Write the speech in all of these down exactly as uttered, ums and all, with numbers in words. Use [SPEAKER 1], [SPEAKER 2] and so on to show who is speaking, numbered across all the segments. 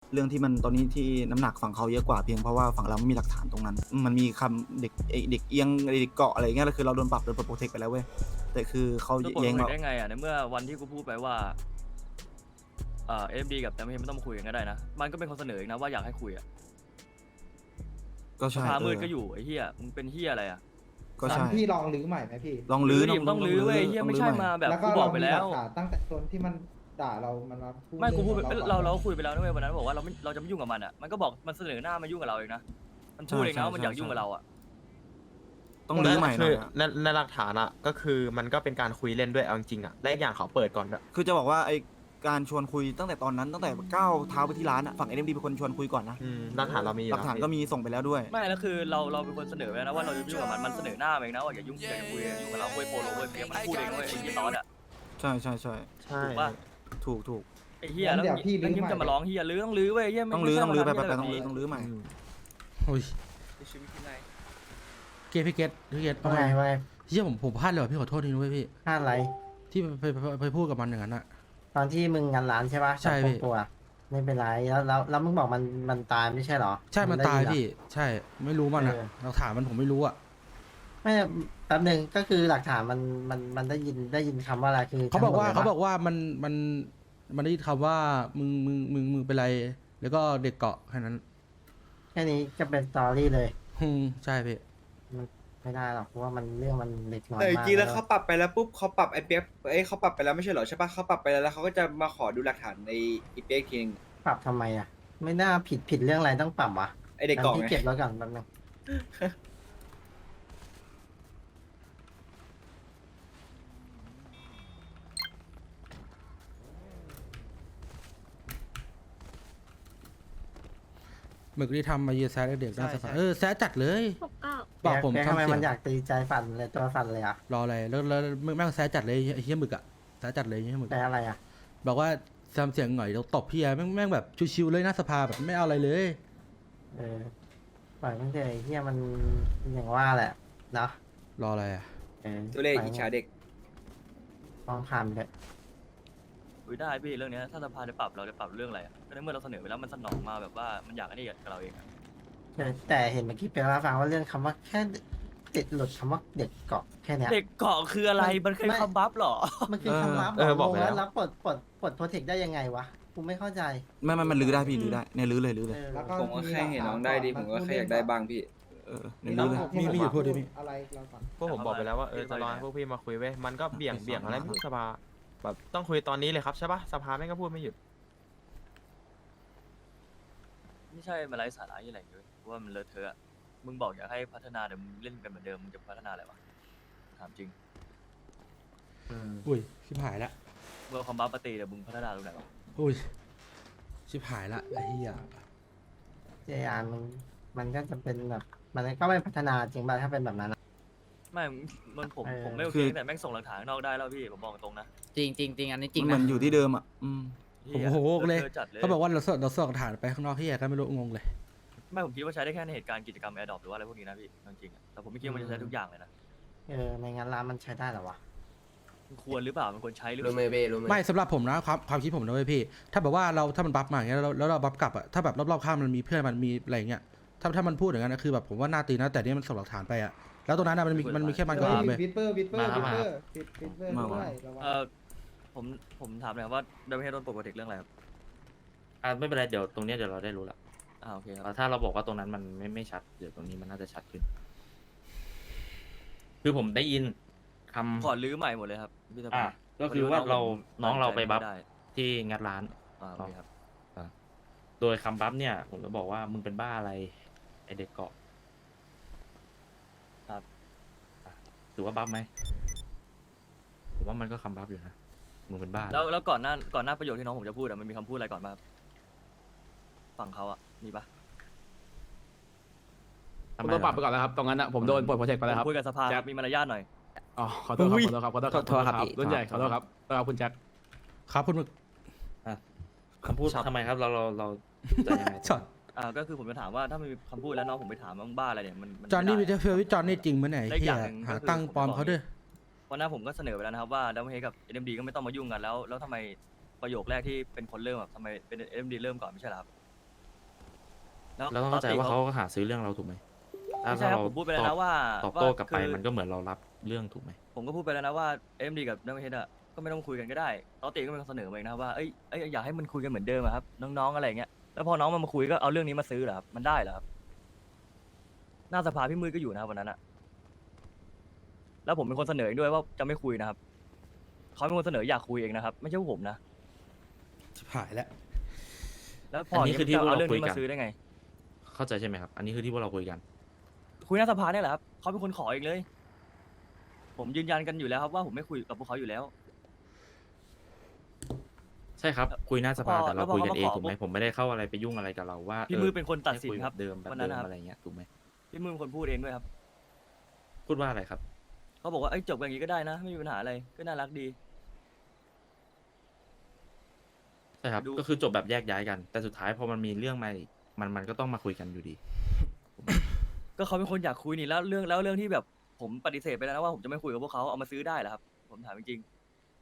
[SPEAKER 1] เรื่องที่มันตอนนี้ที่น้ำหนักฝั่งเขาเยอะกว่าเพียงเพราะว่าฝั่งเราไม่มีหลักฐานตรงนั้นมันมีคำเด็กไอ้เด็กเอียงเด็กเกาะอะไรเงี้ยแล้วคือเราโดนปรับโดนโปรเทคไปแล้วเว้ยแต่คือเขา
[SPEAKER 2] โดนปลด
[SPEAKER 1] แย้ง
[SPEAKER 2] โปร
[SPEAKER 1] มา
[SPEAKER 2] เทคได้ไงอ่ะในเมื่อวันที่กูพูดไปว่าเอ่อเอ็มดีกับแต่ไม่ไม่ต้องมาคุยกันก็ได้นะมันก็เป็นคนเสนอเองนะว่าอยากให้คุยอ่ะ
[SPEAKER 1] ก็
[SPEAKER 2] ส
[SPEAKER 1] ใช่
[SPEAKER 2] ภา
[SPEAKER 1] เอ
[SPEAKER 2] มืด
[SPEAKER 1] อ
[SPEAKER 2] ก็อยู่ไอ้เหี้ยมึงเป็นเหี้ยอะไรอ่ะ
[SPEAKER 1] ก็
[SPEAKER 3] งั้
[SPEAKER 1] ใช่
[SPEAKER 3] นพี่ลองลื้อใหม่ไหมพี่
[SPEAKER 1] ลองลื้อ
[SPEAKER 2] ดิมต้องลื้อเว้ยเหี้ยไม่ใช่มาแบบ
[SPEAKER 3] แล้วก็
[SPEAKER 2] กูบ
[SPEAKER 3] เรา
[SPEAKER 2] อกไป
[SPEAKER 3] มี
[SPEAKER 2] แล้
[SPEAKER 3] หลั
[SPEAKER 2] ว
[SPEAKER 3] กฐานตั้งแต่ตอนที่มันด่าเรามันมาพูด
[SPEAKER 2] ไม่กูพูดไป
[SPEAKER 3] รื่องของ
[SPEAKER 2] เรา
[SPEAKER 3] ก่อน
[SPEAKER 2] เราคุยไปแล้วนะเว้ยวันนั้นบอกว่าเราไม่เราจะไม่ยุ่งกับมันอ่ะมันก็บอกมันเสนอหน้ามายุ่งกับเราเองนะมันพูดเองนะว่ามันอยากยุ่งกับเราอ่ะ
[SPEAKER 1] ต้องลื้อใหม่หน่
[SPEAKER 4] คือ
[SPEAKER 1] อยอะ
[SPEAKER 4] ในในหลักฐานอะก็คือมันก็เป็นการคุยเล่นด้วยเอาจริงๆอะและอีกอย่างเขาเปิดก่อนด้วย
[SPEAKER 1] คือจะบอกว่าไอการชวนคุยตั้งแต่ตอนนั้นตั้งแต่ก้าวเท้าไปที่ร้านอะฝั่งเอ็มดีเป็นคนชวนคุยก่อนนะ
[SPEAKER 4] อืมหลักฐานเรามีอยู่
[SPEAKER 1] หลักฐานก็มีส่งไปแล้วด้วย
[SPEAKER 2] ไม่แล้วคือเราเราเป็นคนเสนอไปแล้วนะว่าเราจะไม่ยุ่งกับมันมันเสนอหน้ามาเองนะว่าอย่ายุ่งอย่าคุยอย่ายุ่งกับเราเว้ยโปโลเว้ยเพียมันพูดเองเว้ยไอ้ยี่ตอนอ่ะ
[SPEAKER 1] ใช่ใช่ใช่
[SPEAKER 4] ใช่
[SPEAKER 2] ถูกปะ
[SPEAKER 1] ถูกถูก
[SPEAKER 2] ไอ้เหี้ยแล้วแล้วยิ้มจะมาร้องเหี้ยลื้อต้องลื้อเว้ยเหี้ยไม่
[SPEAKER 1] ต้องลื้อต้องลื้อไป
[SPEAKER 2] ม่
[SPEAKER 1] ไป
[SPEAKER 2] ใช่
[SPEAKER 1] ไป
[SPEAKER 2] มา
[SPEAKER 1] ต้องลื้อ
[SPEAKER 2] ทำ
[SPEAKER 1] ต้องลื้อใหม่
[SPEAKER 4] อืม
[SPEAKER 5] โอ้ย
[SPEAKER 2] ชีวิตที่ไหน
[SPEAKER 5] เกตพี่เกตพี่เกต
[SPEAKER 3] ว่าไงว่าไง
[SPEAKER 5] เฮียผมผมพลาดเลยว่ะพี่ขอโทษทีนะเว้ยพี่
[SPEAKER 3] พลาดอะไร
[SPEAKER 5] ที่ไปไปไปไปพูดกับมันอย่างนั้นอะ
[SPEAKER 3] ตอนที่มึงงานร้านใช่ปะ
[SPEAKER 5] ใช่พี่
[SPEAKER 3] กับพวกกูอะไม่เป็นไรแล้วแล้วแล้วมึงบอกมันมันตายไม่ใช่เหรอ
[SPEAKER 5] ใช่มัน
[SPEAKER 3] ได้
[SPEAKER 5] ตาย
[SPEAKER 3] เหรอ
[SPEAKER 5] พี่ใช่ไม่รู้มันอะ
[SPEAKER 3] เออ
[SPEAKER 5] หลักฐานมันผมไม่รู้อะ
[SPEAKER 3] ไม่แป๊บหนึงก็คือหลักฐานมันมันมันได้ยินได้ยินคำว่าอะไรคือ
[SPEAKER 5] เขาบอกว่า
[SPEAKER 3] ทั้งหมดลย
[SPEAKER 5] เขา
[SPEAKER 3] ปะ
[SPEAKER 5] บอกว่ามันมันมันได้ยินคำว่ามึงมึงมึงมึงเป็นไร แล้วก็เด็กเกาะแค่นั้น
[SPEAKER 3] แค่นี้ก็เป็นสตอรี่เลย
[SPEAKER 5] อืมใช่พี่
[SPEAKER 3] ไม่ได้หรอกเพราะว่ามันเรื่องมันเล็กน้อย
[SPEAKER 6] แต่จ
[SPEAKER 3] มาก
[SPEAKER 6] ริงๆแล้ว
[SPEAKER 3] ล้
[SPEAKER 6] เขาปรับไปแล้วปุ๊บเขาปรับไอ้เปียกเอ้ยเขาปรับไปแล้วไม่ใช่เหรอใช่ปะเขาปรับไปแล้วแล้วเขาก็จะมาขอดูหลักฐานในไอ้เปียกอีกทีนึง
[SPEAKER 3] ปรับทำไมอ่ะ ไม่น่าผิดผิดเรื่องอะไรต้องปรับวะ
[SPEAKER 6] ไอ้เด็กกล่อง
[SPEAKER 3] ที่
[SPEAKER 6] ไง
[SPEAKER 3] เก็บแล้วกันแป๊บนึง
[SPEAKER 5] หมึกที่ทำมาเยียแซดเด็กน่าสภาเออแซดจัดเลย
[SPEAKER 7] หกเก้า
[SPEAKER 5] บอกผม
[SPEAKER 3] แกทำ
[SPEAKER 5] ทำ
[SPEAKER 3] ไม
[SPEAKER 5] เสีย
[SPEAKER 3] มั
[SPEAKER 5] ง
[SPEAKER 3] นอยากตีใจสั่นเลยตัวสั่นเลยอ่ะ
[SPEAKER 5] รออะไรแล้วแล้วแม่งแซดจัดเลยไอ้เฮียหมึกอะแซดจัดเลยไอ้เฮียหมึก
[SPEAKER 3] แต่อะไรอ่ะ
[SPEAKER 5] บอกว่าทำเสียงหน่อยแล้วตบพี่อะแม่งแม่งแบบชิวๆเลยหน้าสภาแบบไม่เอาอะไรเลย
[SPEAKER 3] เออปล่อยมันเถอะไอ้เฮียมันอย่างว่าแหละเนาะ
[SPEAKER 5] รออะไรอะ
[SPEAKER 3] เออ
[SPEAKER 6] ตัวเลขอิจฉาเด็ก
[SPEAKER 3] ลองผ่านไปเถอะ
[SPEAKER 2] คุยได้พี่เรื่องเนี้ยถ้าสภาจะปรับเราจะปรับเรื่องอะไรอ่ะก็ในเมื่อเราเสนอไปแล้วมันสนองมาแบบว่ามันอยากอันนี้กับเราเองอะ
[SPEAKER 3] แต่แต่เห็นเมื่อกี้เป็นว่าฟังว่าเรื่องคำว่าแค่ติดหลุดคำว่าเด็กเกาะแค่เนี้ย
[SPEAKER 2] เด็กเกาะคืออะไรมันเคย
[SPEAKER 3] ไม่
[SPEAKER 2] คำบัฟเหรอ
[SPEAKER 3] มันคือคำรับ
[SPEAKER 4] เออบอก
[SPEAKER 3] ง
[SPEAKER 4] ไป
[SPEAKER 3] ง
[SPEAKER 4] แล้
[SPEAKER 3] แล้ว วรับปลดปลดปลดโปรเทคได้ยังไงวะกูไม่เข้าใจ
[SPEAKER 1] ไม่ไม่มันลื้อได้พี่ลื้อได้เนี่ยลื้อเลยลื้อเลย
[SPEAKER 3] เออ
[SPEAKER 8] แล้วก็
[SPEAKER 6] ผมก็แค่เห็นน้องได้ดีผมก็แค่อยากได้บ้างพี่
[SPEAKER 1] เออเนี่ยลื้อเลย
[SPEAKER 5] มีมีอยู่พูดดิพี่
[SPEAKER 8] อะไรเราก่อน
[SPEAKER 4] พวกผมบอกไปแล้วว่าเออจะรอให้พวกพี่มาคุยเว้ยมันก็เบี่ยงเบี่ยงอะไรไม่รู้สภาแบบต้องคุยตอนนี้เลยครับใช่ปะสภาแม่งก็พูดไม่หยุด
[SPEAKER 2] ไม่ใช่มาไร้สาระยี่อะไรเลยว่ามันเลอะเทอะอะมึงบอกอยากให้พัฒนาเดี๋ยวมึงเล่นกันเหมือนเดิมมึงจะพัฒนาอะไรวะถามจริง
[SPEAKER 5] อุ้ยชิบหายละ
[SPEAKER 2] เมื่อคอมบัฟปฏิเดี๋ยวมึงพัฒนาตรงไหนวะ
[SPEAKER 5] อุ้ยชิบหายละไอ้เหี้ย
[SPEAKER 3] เจอามันมันก็จะเป็นแบบมันก็ไม่พัฒนาจริงป่ะถ้าเป็นแบบนั้นอะ
[SPEAKER 2] ไม่มันผม
[SPEAKER 3] เออ
[SPEAKER 2] ผมไม่โอเคแต่แม่งส่งหลักฐานข้างนอกได้แล้วพี่ผมบอกตรงนะ
[SPEAKER 9] จริงจริงจริงอันนี้จริง
[SPEAKER 1] มันเหมื
[SPEAKER 9] นะ
[SPEAKER 1] อนอยู่ที่เดิมอ่ะอืม
[SPEAKER 5] ผมโอ้โหเลย
[SPEAKER 2] อะทอะจัดเลย
[SPEAKER 5] เขาบอกว่าเราส่งเราส่งฐานไปข้างนอกที่แยก็ไม่รู้งงเลย
[SPEAKER 2] ไม่ผมคิดว่าใช้ได้แค่ในเหตุการณ์กิจกรรมแอร์ดรอปหรือว่าอะไรพวกนี้นะพี่จริงๆอะแต่ผมไม่คิดว่ามันจะใช้ทุกอย่างเลยนะ
[SPEAKER 3] เออในงานร้านมันใช้ได้เหรอวะ
[SPEAKER 2] มันควรหรือเปล่ามันควรใช้หรือเป
[SPEAKER 9] รู้
[SPEAKER 2] ล่า
[SPEAKER 9] มือเบ้รู้มือ
[SPEAKER 5] ไม่สำหรับผมนะความความคิดผมนะเว้ยพี่ ถ้าแบบว่าเราถ้ามันบัฟมาอย่างเงี้ยแล้วแล้วเราบัฟกลับอะถ้าแบบรอบๆข้างมันมีเพื่อนมันมีอะไรอย่างเงี้ยถ้าถ้ามันพูดอย่างนั้นนะคือแบบผมว่าน่าตีนะแต่นี่มันส่งหลักฐานไปอะแล้วตรงนั้นนะมันมีมันมีแค่มันกับผมเลย
[SPEAKER 8] วิดเปอร์วิดเปอร์วิดเปอร์วิดวิดเปอร์
[SPEAKER 1] มา
[SPEAKER 8] ด้
[SPEAKER 1] ว่ะ
[SPEAKER 8] วยระวัง
[SPEAKER 2] เออผมผมถามหน่อยครับว่าเดวิดโดนปลดโปรเทคเรื่องอะไรครับ
[SPEAKER 10] อ่าไม่เป็นไรเดี๋ยวตรงเนี้ยเดี๋ยวเราได้รู้ละ
[SPEAKER 2] อ่าโอเคครับ
[SPEAKER 10] อ่าถ้าเราบอกว่าตรงนั้นมันไม่ไม่ชัดเดี๋ยวตรงนี้มันน่าจะชัดขึ้น คือผมได้ยินคำ
[SPEAKER 2] ขอลื้อใหม่หมดเลยครับพี่ส
[SPEAKER 10] อ่า
[SPEAKER 2] ภา
[SPEAKER 10] ก็คือว่าเราน้องเราไปบัฟ
[SPEAKER 2] ม่ด้
[SPEAKER 10] ที่งัดร้าน
[SPEAKER 2] อ่าโอเคครับ
[SPEAKER 10] โดยคำบัฟเนี่ย ผมจะบอกว่ามึงเป็นบ้าอะไรไอเด็กเกาะ
[SPEAKER 2] ครับ
[SPEAKER 10] อ่ะถือว่าบัฟไหมผมว่ามันก็คำบัฟอยู่นะมึงเป็นบ้า
[SPEAKER 2] แล้วแล้วก่อนหน้าก่อนหน้าประโยคที่น้องผมจะพูดอะมันมีคำพูดอะไรก่อนบ้างครับฝั่งเขาอะมีปะ
[SPEAKER 10] ทำ
[SPEAKER 11] ผม
[SPEAKER 10] ไม
[SPEAKER 11] โดนปรับ
[SPEAKER 10] เห
[SPEAKER 11] ไป
[SPEAKER 10] รอ
[SPEAKER 11] ก่อนแล้วครับ ตรงนั้นนะผมโดนปลดโปรเจกต์ไปแล้วครับ
[SPEAKER 2] ผมคุยกับสภา
[SPEAKER 11] แจ็
[SPEAKER 2] ค
[SPEAKER 11] ค
[SPEAKER 2] รับมีมารยาทหน่อย
[SPEAKER 11] อ๋อขอโทษครับขอโทษครับขอโทษครับ
[SPEAKER 9] โทษครับพี่
[SPEAKER 11] รุ่นใหญ่ขอโทษครับขอโทษครับคุณแจ็ค
[SPEAKER 5] ครับคุณหมึก
[SPEAKER 10] คำพูดทำไมครับเราเราเราจะยังไง
[SPEAKER 5] ช็อต
[SPEAKER 2] อ่าก็คือผมจะถามว่าถ้ามันมีคำพูดแล้วน้องผมไปถามว่ามึงบ้าอะไรเนี่ยมันมั
[SPEAKER 5] จอห์นนี่
[SPEAKER 2] ไม่
[SPEAKER 5] วิ
[SPEAKER 2] ได้
[SPEAKER 5] เทอร์เฟลวิจอห์นนี่จริงมั้ยไหน
[SPEAKER 2] และอีก
[SPEAKER 5] เฮี
[SPEAKER 2] อย ย่างหนึ่ง
[SPEAKER 5] หา
[SPEAKER 2] ก็คือ
[SPEAKER 5] ตั้งปลอมเขาด้วย
[SPEAKER 2] วันหน้าผมก็เสนอไปแล้วนะครับว่าดัมเบลเฮดกับเอ็มดีก็ไม่ต้องมายุ่งกันแล้วแล้วทำไมประโยคแรกที่เป็นคนเริ่มแบบทำไมเป็นเอ็มดีเริ่มก่อนไม่ใช่เหรอครับ
[SPEAKER 10] เราต้องเข้าใจว่าเขาก็หาซื้อเรื่องเราถูกไหมถ้า
[SPEAKER 2] ไม่ใช่ครับ
[SPEAKER 10] เรา
[SPEAKER 2] ผมพูดไปแล้ว
[SPEAKER 10] ตอ
[SPEAKER 2] นะ
[SPEAKER 10] บ
[SPEAKER 2] ว่า
[SPEAKER 10] ตอบโต้
[SPEAKER 2] ว่าก
[SPEAKER 10] ลับไป
[SPEAKER 2] คือ
[SPEAKER 10] มันก็เหมือนเรารับเรื่องถูกไหม
[SPEAKER 2] ผมก็พูดไปแล้วนะว่าเอ็มดีกับนักเทศอ่ะก็ไม่ต้องคุยกันก็ได้ตอติก็เป็นคนเสนอมาเองนะว่าเอ้ยเอ้ยอยากให้มันคุยกันเหมือนเดิมอะครับน้องๆอะไรอย่างเงี้ยแล้วพอน้องมันมาคุยก็เอาเรื่องนี้มาซื้อเหรอครับมันได้เหรอครับหน้าสภาพี่มืดก็อยู่นะครับวันนั้นอะแล้วผมเป็นคนเสนอเองด้วยว่าจะไม่คุยนะครับเขาเป็นคนเสนออยากคุยเองนะครับ ไม่ใช่พวกผมนะ
[SPEAKER 5] ชิบหายแล้ว
[SPEAKER 2] แล้วพ
[SPEAKER 10] อั
[SPEAKER 2] อน
[SPEAKER 10] นี้คือที่
[SPEAKER 2] จะ
[SPEAKER 10] พวก
[SPEAKER 2] เอา
[SPEAKER 10] เรา
[SPEAKER 2] เรื่อง
[SPEAKER 10] คุย
[SPEAKER 2] นี้
[SPEAKER 10] กั
[SPEAKER 2] มาน ซื้อได้ไง
[SPEAKER 10] เข้าใจใช่ไหมครับ อันนี้คือที่พวกเราคุยกัน
[SPEAKER 2] คุยหน้าสภาเนี่ยแหละครับเขาเป็นคนขอเองเลย ผมยืนยันกันอยู่แล้วครับว่าผมไม่คุยกับพวกเขาอยู่แล้ว
[SPEAKER 10] ใช่ครับ คุยหน้าสภา
[SPEAKER 2] แล้วพอ
[SPEAKER 10] แต่เราคุยกันเอง
[SPEAKER 2] แล้วพอ
[SPEAKER 10] ถูกไหม
[SPEAKER 2] เขามาขอ
[SPEAKER 10] ผมไม่ได้เข้าอะไรไปยุ่งอะไรกับเราว่า
[SPEAKER 2] พี่
[SPEAKER 10] เออ
[SPEAKER 2] มือเป็นคนตัดสิน
[SPEAKER 10] ให้ย
[SPEAKER 2] ครับ
[SPEAKER 10] แเดิมแบบ
[SPEAKER 2] วันนั้
[SPEAKER 10] เดิ
[SPEAKER 2] น
[SPEAKER 10] ม
[SPEAKER 2] นะครับ
[SPEAKER 10] อะไรเงี้ยถูกไหม
[SPEAKER 2] พี่มือเป็นคนพูดเองด้วยครับ
[SPEAKER 10] พูดว่าอะไรครับ
[SPEAKER 2] เขาบอกว่าเอ้ยจบกันอย่างนี้ก็ได้นะ ไม่มีปัญหาอะไรก็น่ารักดี
[SPEAKER 10] ใช่ครับ
[SPEAKER 2] ดู
[SPEAKER 10] ก็คือจบแบบแยกย้ายกัน แต่สุดท้ายพอมันมีเรื่องมาอีกมันมันก็ต้องมาคุยกันอยู่ดี
[SPEAKER 2] ก็เขาเป็นคนอยากคุยนี่แล้วเรื่องแล้วเรื่องที่แบบผมปฏิเสธไปแล้วนะว่าผมจะไม่คุยกับพวกเขาเอามาซื้อได้เหรอครับ ผมถามจริง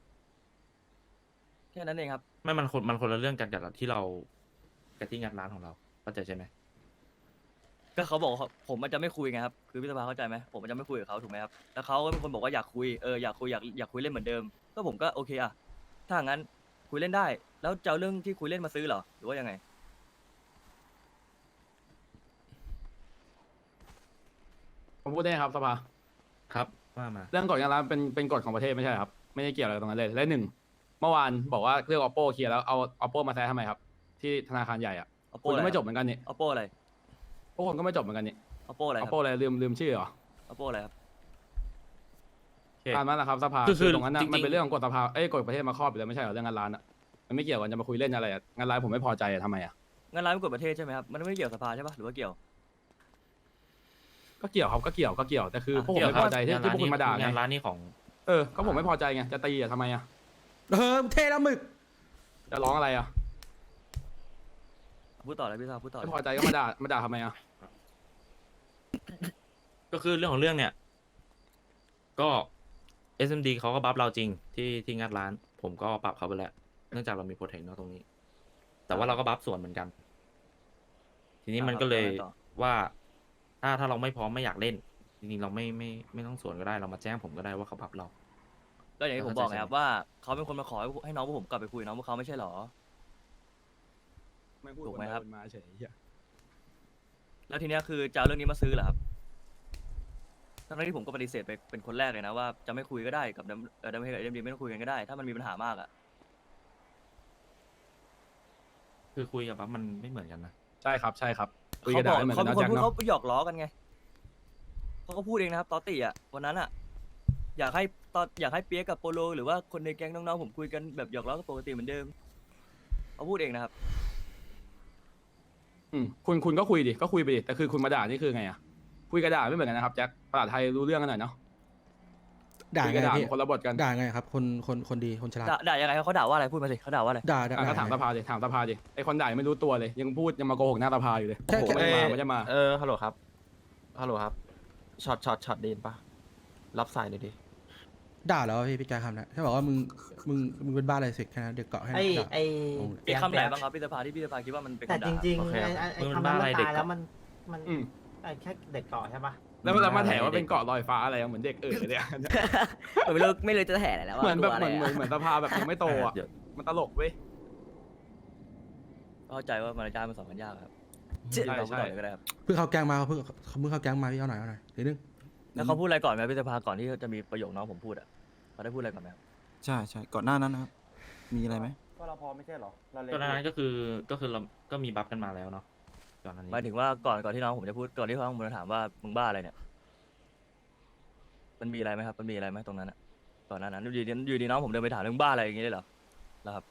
[SPEAKER 2] ๆแค่นั้นเองครับ
[SPEAKER 10] ไม่มันคนมันคนละเรื่องกันกับที่เรากับที่งานร้านของเราเข้าใจใช่ไหม
[SPEAKER 2] ก็เขาบอกว่าผมมันจะไม่คุยไงครับคือพี่สภาเข้าใจไหมผมมันจะไม่คุยกับเขาถูกไหมครับแล้วเขาก็เป็นคนบอกว่าอยากคุยเอออยากคุยอยากอยากคุยเล่นเหมือนเดิมก็ผมก็โอเคอะถ้างั้นคุยเล่นได้ แล้วจะเอาเรื่องที่คุยเล่นมาซื้อเหรอหรือว่ายังไง
[SPEAKER 11] ผมพูดได้ครับสภา
[SPEAKER 10] ครับว่ามา
[SPEAKER 11] เรื่องกฎการร้านเป็นเป็นกฎของประเทศไม่ใช่เหรอครับ ไม่ได้เกี่ยวอะไรกับตรงนั้นเลยและหนึ่งเมื่อวานบอกว่าเรื่อง oppo เคลียร์แล้วเอา oppo มาแซะทำไมครับ ที่ธนาคารใหญ่อะ
[SPEAKER 2] oppo
[SPEAKER 11] คุณ
[SPEAKER 2] อะไร
[SPEAKER 11] ก็ไม่จบเหมือนกันนี่
[SPEAKER 2] oppo อะไร
[SPEAKER 11] พวกคนก็ไม่จบเหมือนกันนี่
[SPEAKER 2] oppo อะไรครับ
[SPEAKER 11] oppo อะไรลืมลืมชื่อเหรอ
[SPEAKER 2] oppo อะไรครับ
[SPEAKER 10] โอเค
[SPEAKER 11] ตามนั้นแหละครับสภา
[SPEAKER 10] คือคือ
[SPEAKER 11] ตรงนั้นนะ
[SPEAKER 10] จริงๆ
[SPEAKER 11] มันเป็นเรื่องของกฎสภาเอ้ยกฎประเทศมาครอบอยู่แล้วไม่ใช่เหรอเรื่องงานร้านอะมันไม่เกี่ยวกันจะมาคุยเล่นอะไรอะงานร้านผมไม่พอใจอะทำไมอะ
[SPEAKER 2] งั้นร้านเป็นกฎประเทศใช่ไหมครับมันไม่เกี่ยวสภาใช่ปะหรือว่าเกี่ยว
[SPEAKER 11] ก็เกี่ยวครับก็เกี่ยวก็เกี่ยวแต่คือ
[SPEAKER 2] อ่ะ
[SPEAKER 11] พวกผมไม่พอใจที่ที่พวกคุณมาด่าไง
[SPEAKER 10] งานร้านนี่ของ
[SPEAKER 11] เออก็ผมไม่พอใจไงจะตีอะทำไมอะ
[SPEAKER 5] เออเท่แล้วหมึก
[SPEAKER 11] จะร้องอะไรอะ
[SPEAKER 2] พูดต่อเลยพี่สภาพูดต่อเล
[SPEAKER 11] ไม่
[SPEAKER 2] ย
[SPEAKER 11] พอใจก็มาด่ามาด่าทำไมอะ
[SPEAKER 10] ก็คือเรื่องของเรื่องเนี่ย ก็ เอส เอ็ม ดี เขาก็บัฟเราจริงที่ที่งัดร้าน ผมก็ปรับเขาไปแล้ว เนื่องจากเรามีโปรเทคเนาะตรงนี้ แต่ว่าเราก็บัฟส่วนเหมือนกัน ทีนี้มันก็เลยว่า ถ้าถ้าเราไม่พร้อมไม่อยากเล่น จริงๆเราไม่ไม่ไม่ต้องสวนก็ได้เรามาแจ้งผมก็ได้ว่าเขาบัฟเรา
[SPEAKER 2] ก็อย่างที่ผมบอกไงครับว่าเขาเป็นคนมาขอให้ให้น้องพวกผมกลับไปคุยกับน้องพวกเขาไม่ใช่หรอ
[SPEAKER 11] ไม่พูด
[SPEAKER 2] ถูกไหมครับ
[SPEAKER 11] นมาเฉยเหี้ย
[SPEAKER 2] แล้วทีเนี้ยคือจะเอาเรื่องนี้มาซื้อเหรอครับทั้งที่ผมก็ปฏิเสธไปเป็นคนแรกเลยนะว่าจะไม่คุยก็ได้กับดัมเอ่อดัมเฮกับเอ็มดีไม่ต้องคุยกันก็ได้ ถ้ามันมีปัญหามากอะ
[SPEAKER 10] คือคุยกับบัฟมันไม่เหมือนกันนะ
[SPEAKER 11] ใช่ครับใช่ครับคุย
[SPEAKER 2] เขา
[SPEAKER 11] กัน
[SPEAKER 2] บ
[SPEAKER 11] ด่า
[SPEAKER 2] อก
[SPEAKER 11] ไม่เหมือน
[SPEAKER 2] เขา
[SPEAKER 11] กัน
[SPEAKER 2] เป็น
[SPEAKER 11] นะ
[SPEAKER 2] คน
[SPEAKER 11] แจ็ค
[SPEAKER 2] พูดเขา
[SPEAKER 11] เนาะ
[SPEAKER 2] ไปหยอกล้อกันไงเขาก็พูดเองนะครับตอตตี้อะวันนั้นอะอยากให้ตอนอยากให้เปียกกับโปโลหรือว่าคนในแก๊งน้องๆผมคุยกันแบบหยอกล้อกันปกติเหมือนเดิมเขาพูดเองนะครับ
[SPEAKER 11] อืมคุณคุณก็คุยดิก็คุยไปดิแต่คือคุณมาด่านี่คือไงอะคุยกับด่าไม่เหมือนกันนะครับแจ็คภาษาไทยรู้เรื่องกันหน่อยเนาะ
[SPEAKER 5] ด่า
[SPEAKER 11] คุย
[SPEAKER 5] ไง
[SPEAKER 11] กับด่า
[SPEAKER 5] พี่
[SPEAKER 11] คนละบทกัน
[SPEAKER 5] ด่าไงครับ คนคนคนดีคนฉลาด
[SPEAKER 2] ด่าด่ายังไงเขาด่าว่าอะไรพูดมาสิเขาด่าว่าอะไร
[SPEAKER 5] ด่าด่า
[SPEAKER 11] อ่ะก็
[SPEAKER 5] ด่า
[SPEAKER 11] ถาม
[SPEAKER 5] ไง
[SPEAKER 11] สภาดิถามสภาดิไอคนด่ายังไม่รู้ตัวเลย ยังพูดยังมาโกหกหน้าสภาอยู่เลย
[SPEAKER 5] แค่
[SPEAKER 11] โอ้โห
[SPEAKER 5] แค่
[SPEAKER 11] ไม่ได้มาไม่ได้มา
[SPEAKER 4] เออฮัลโหลครับฮัลโหลครับช็อตช็อตช็อตดีนปะรับสายหน่อยดิ
[SPEAKER 5] ด่าแล้วพี่พี่แจ๊คคำนะแค่บอกว่ามึงมึงมึงเป็นบ้าอะไรสิแค่นั้นเด็กเกาะให้
[SPEAKER 3] ไอ้
[SPEAKER 5] ด่า
[SPEAKER 3] ไอ้
[SPEAKER 5] โอ้ย
[SPEAKER 2] มีคำไหนบ้างครับพี่สภาที่พี่สภาคิดว่ามันเป็น
[SPEAKER 3] แต่
[SPEAKER 2] คำ
[SPEAKER 3] จ
[SPEAKER 2] ด่า
[SPEAKER 3] ริง
[SPEAKER 10] โอเค
[SPEAKER 3] ๆไอ้ไอ้ไอ้
[SPEAKER 10] มึง
[SPEAKER 3] คำ
[SPEAKER 10] บ้า
[SPEAKER 3] นั้น
[SPEAKER 10] อะไร
[SPEAKER 3] มัน
[SPEAKER 10] เด็ก
[SPEAKER 3] ตายแล้ว
[SPEAKER 10] เกาะ
[SPEAKER 3] มันมัน
[SPEAKER 11] อืม
[SPEAKER 3] ไอ้แค่เด็กเกาะใช่ปะ
[SPEAKER 11] แล้วแล้วมาแถว่าเป็นเกาะลอยฟ้าอะไรอะเหมือนเด็กเออเนี่ย
[SPEAKER 7] ผมไม่รู้ไม่รู้จะแถอะไรแล้วว่า
[SPEAKER 11] เหมือนแบบ
[SPEAKER 7] ตัว
[SPEAKER 11] เห
[SPEAKER 7] อะไร
[SPEAKER 11] มือนเหมือน
[SPEAKER 7] อะ
[SPEAKER 11] เหมือนสภาแบบยังไม่โตอ่ะ
[SPEAKER 10] เดี๋ยว
[SPEAKER 11] มันตลกเว้ย
[SPEAKER 2] เข้าใจว่ามารยาทมันสอนกันยากครับ
[SPEAKER 11] ใช่
[SPEAKER 2] พี่สภาพูด
[SPEAKER 11] ใช่
[SPEAKER 2] ต่อเลยก็ได้ครับ
[SPEAKER 5] เพิ่งเข้าแก๊งมาเพิ่งเขาเพิ่งเข้าแก๊งมาพี่เอาหน่อยเอาหน่อยนิดนึง
[SPEAKER 2] แล้วเขาพูดอะไรก่อนไหมพี่สภาก่อนที่จะมีประโยคน้องผมพูดอ่ะเขาได้พูดอะไรก่อนไหมครับ
[SPEAKER 1] ใช่ใช่ก่อนหน้านั้นนะครับ มีอะไรไหม
[SPEAKER 4] ก็เราพอไม่ใช่หรอเรา
[SPEAKER 10] ตอนนั้นก็คือก็คือเราก็มีบัฟกันมาแล้วเนาะก่อนหน้านี้
[SPEAKER 2] หมายถึงว่าก่อนก่อนที่น้องผมจะพูดก่อนที่น้องผมจะถามว่ามึงบ้าอะไรเนี่ย มันมีอะไรไหมครับ มันมีอะไรไหมตรงนั้นอ่ะก่อนหน้านั้นอยู่ดีอยู่ดีน้องผมเดินไปถามเรื่องบ้าอะไรอย่างงี้ได้เหรอแล้วครับ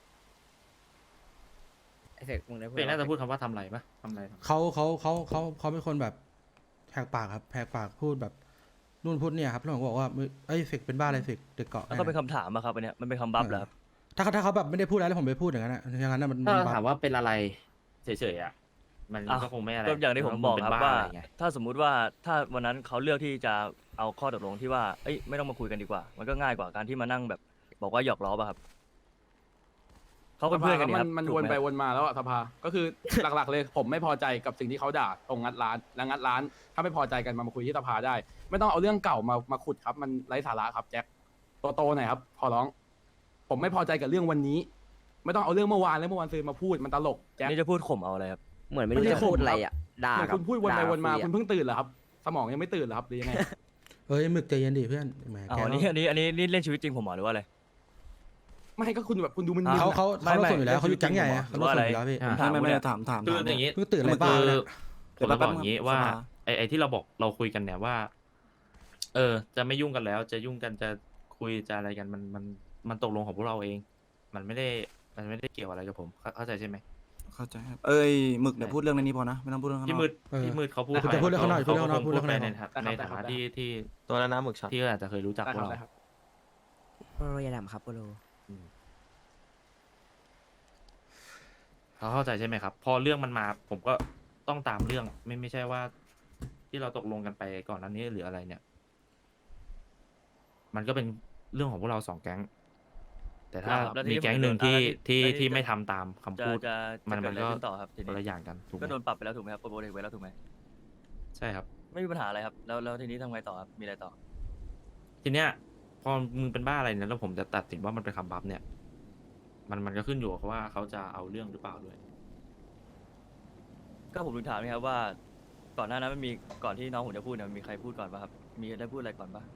[SPEAKER 7] ไอ้เสกมึงได้พูด
[SPEAKER 10] เป็นน่าจะพูดคำว่าทำไรปะทำไรทำ
[SPEAKER 5] เขาเขาเขาเขาเขาเป็นคนแบบแหกปากครับแหกปากพูดแบบนู่นพูดเนี่ยครับแล้วผมก็บอกว่ามึงเอ้ยเฟกเป็นบ้าอะไรเฟกเด็กเกาะ
[SPEAKER 2] แล้วก็เป็นคำถามอะครับอันเนี้ยมันเป็นคำบัฟเหรอครับ
[SPEAKER 5] ถ้าเขาถ้าเขาแบบไม่ได้พูดอะไรแล้วผมไปพูดอย่างนั้นอะอย่างนั้นน่ะมัน
[SPEAKER 10] ถ้า
[SPEAKER 5] มันบัฟ
[SPEAKER 10] ถามว่าเป็นอะไรเฉยๆอ่ะมัน
[SPEAKER 2] อ่ะ
[SPEAKER 10] ก็คงไม่อะไร
[SPEAKER 2] ก็อย่างที่ผมบอกครับ
[SPEAKER 10] น
[SPEAKER 2] ว่า
[SPEAKER 10] อะไรไง
[SPEAKER 2] ถ้าสมมุติว่าถ้าวันนั้นเขาเลือกที่จะเอาข้อตกลงที่ว่าเอ้ยไม่ต้องมาคุยกันดีกว่า มันก็ง่ายกว่าการที่มานั่งแบบบอกว่าหยอกล้อป่ะครับเขาเป็นเพื่อนกัน
[SPEAKER 11] ส
[SPEAKER 2] นี่
[SPEAKER 11] ภา
[SPEAKER 2] ครับ
[SPEAKER 11] มัน
[SPEAKER 2] ถูก
[SPEAKER 11] วน
[SPEAKER 2] ไหม
[SPEAKER 11] ไปวนมาแล้วอะสภาก็คือ หลักๆเลยผมไม่พอใจกับสิ่งที่เขาด่าตรงงัดร้านและงัดร้าน ถ้าไม่พอใจกันมามาคุยที่สภาได้ ไม่ต้องเอาเรื่องเก่ามามาขุดครับมันไร้สาระครับแจ็คโตๆหน่อยครับขอร้อง ผมไม่พอใจกับเรื่องวันนี้ ไม่ต้องเอาเรื่องเมื่อวานและเมื่อวานซื้อมาพูดมันตลกแจ็ค
[SPEAKER 2] นี่จะพูดข่มเอาอะไรครับ
[SPEAKER 7] เหมือนไม่รู้จะพูดอะไรอ่ะด่า
[SPEAKER 11] เหมือน
[SPEAKER 7] กับ
[SPEAKER 11] คุณพูดวนไป
[SPEAKER 7] ด่
[SPEAKER 11] วนมา
[SPEAKER 7] คุยอะ
[SPEAKER 11] คุณเพิ่งตื่นเหรอครับ สมองยังไม่ตื่นเหรอครับหรือยังไง
[SPEAKER 5] เฮ้ยหมึกใจเย็นดิเพื่อนแหม
[SPEAKER 2] อ๋
[SPEAKER 5] แก
[SPEAKER 2] ออันนี้อันนี้อันนี้นี่เล่นชีวิตจริงผมเหรอหรือว่าอะไร
[SPEAKER 11] ไม่ก็คุณแบบคุณดูมึน
[SPEAKER 2] อ่
[SPEAKER 11] ๆ
[SPEAKER 5] เขา
[SPEAKER 11] อะ
[SPEAKER 5] เขา
[SPEAKER 2] ไม่
[SPEAKER 5] เขา
[SPEAKER 2] ไม่
[SPEAKER 5] ส่วนอยู่แล้วเขาอยู่แก๊งใหญ่อะ
[SPEAKER 2] หรื
[SPEAKER 5] เขา
[SPEAKER 2] อว่า
[SPEAKER 5] ส่
[SPEAKER 2] อะไร
[SPEAKER 5] วนอยู่แล้วพี่
[SPEAKER 2] ผมถาม
[SPEAKER 1] ไม่ไม่
[SPEAKER 2] คุณ
[SPEAKER 1] ไม่
[SPEAKER 2] อะ
[SPEAKER 1] ถามถาม
[SPEAKER 10] คือ
[SPEAKER 1] ถาม
[SPEAKER 10] อย่างนี้
[SPEAKER 5] เพิ่งตื่นอะไร
[SPEAKER 1] คือ
[SPEAKER 5] บ้าง
[SPEAKER 10] คือ
[SPEAKER 5] เนี่ย
[SPEAKER 10] ผมจะบอกอย่างนี้ว่า ไอ้ไอ้ที่เราบอกเราคุยกันเนี่ยว่า เออ จะไม่ยุ่งกันแล้ว จะยุ่งกันจะคุยจะอะไรกันมันมันมันตกลงของพวกเราเอง มันไม่ได้มันไม่ได้เกี่ยวอะไรกับผมเข้าเข้าใจใช่ไหม
[SPEAKER 1] เข้าใจครับเอ้ยหมึกเดี๋ยวพูดเรื่องในนี้พอนะไม่ต้องพูดเรื่องข้างน
[SPEAKER 10] พี่
[SPEAKER 1] อก
[SPEAKER 10] มืด
[SPEAKER 5] เออ
[SPEAKER 10] พี่มืดเขาพูด
[SPEAKER 5] จะพูดเรื่องข้างนอก
[SPEAKER 10] เขา
[SPEAKER 5] พูดเรื่องข้างนอก
[SPEAKER 10] คง
[SPEAKER 5] พู
[SPEAKER 10] พู
[SPEAKER 5] ด
[SPEAKER 10] ด
[SPEAKER 5] เรื่อง
[SPEAKER 10] ไป
[SPEAKER 5] ข้างนอก
[SPEAKER 10] ในฐาในฐานะที่ที่
[SPEAKER 4] ตัวแล้วนะหมึกช็อต
[SPEAKER 10] ที่อาจจะเคยรู้จักพวกเรา
[SPEAKER 7] โปโลยาดำครับโปโล
[SPEAKER 10] เขาเข้าใจใช่ไหมครับ พอเรื่องมันมา ผมก็ต้องตามเรื่อง ไม่ไม่ใช่ว่า ที่เราตกลงกันไปก่อนหน้านี้หรืออะไรเนี่ย มันก็เป็นเรื่องของพวกเราสองแก๊ง แต่ถ้า
[SPEAKER 2] ครับแล้วที
[SPEAKER 10] มี
[SPEAKER 2] นี้
[SPEAKER 10] แก๊งหนึ่ง
[SPEAKER 2] ผม
[SPEAKER 10] ที่
[SPEAKER 2] แล้วที่
[SPEAKER 10] ที่
[SPEAKER 2] แล้วที่
[SPEAKER 10] ที่
[SPEAKER 2] จะ
[SPEAKER 10] ไม่ทำตามคำ
[SPEAKER 2] จะ
[SPEAKER 10] พูด
[SPEAKER 2] จะ
[SPEAKER 10] มัน
[SPEAKER 2] จะเกิ
[SPEAKER 10] มั
[SPEAKER 2] ด
[SPEAKER 10] น
[SPEAKER 2] อะไร
[SPEAKER 10] ก็
[SPEAKER 2] ขึ้นต่อครับที
[SPEAKER 10] คน
[SPEAKER 2] นี้
[SPEAKER 10] ละอย่างกันถูกไหม
[SPEAKER 2] ก็โดนปรับไปแล้วถูกไหมครับโปรโบเทคไปแล้วถูกไหม
[SPEAKER 10] ใช่ครับ
[SPEAKER 2] ไม่มีปัญหาอะไรครับแล้วแล้วทีนี้ทำไงต่อครับมีอะไรต่อ
[SPEAKER 10] ทีเนี้ย พอมึงเป็นบ้าอะไรเนี่ยแล้วผมจะตัดสินว่ามันเป็นคำบัฟเนี่ย มันมันก็ขึ้นอยู่กับว่าเขาจะเอาเรื่องหรือเปล่าด้วย
[SPEAKER 2] ก็ผมถึงถามนะครับว่า ก่อนหน้านั้นมันมีก่อนที่น้องผมจะพูดเนี่ยมีใครพูดก่อนป่ะครับมีได้พูดอะไรก่อนป่ะ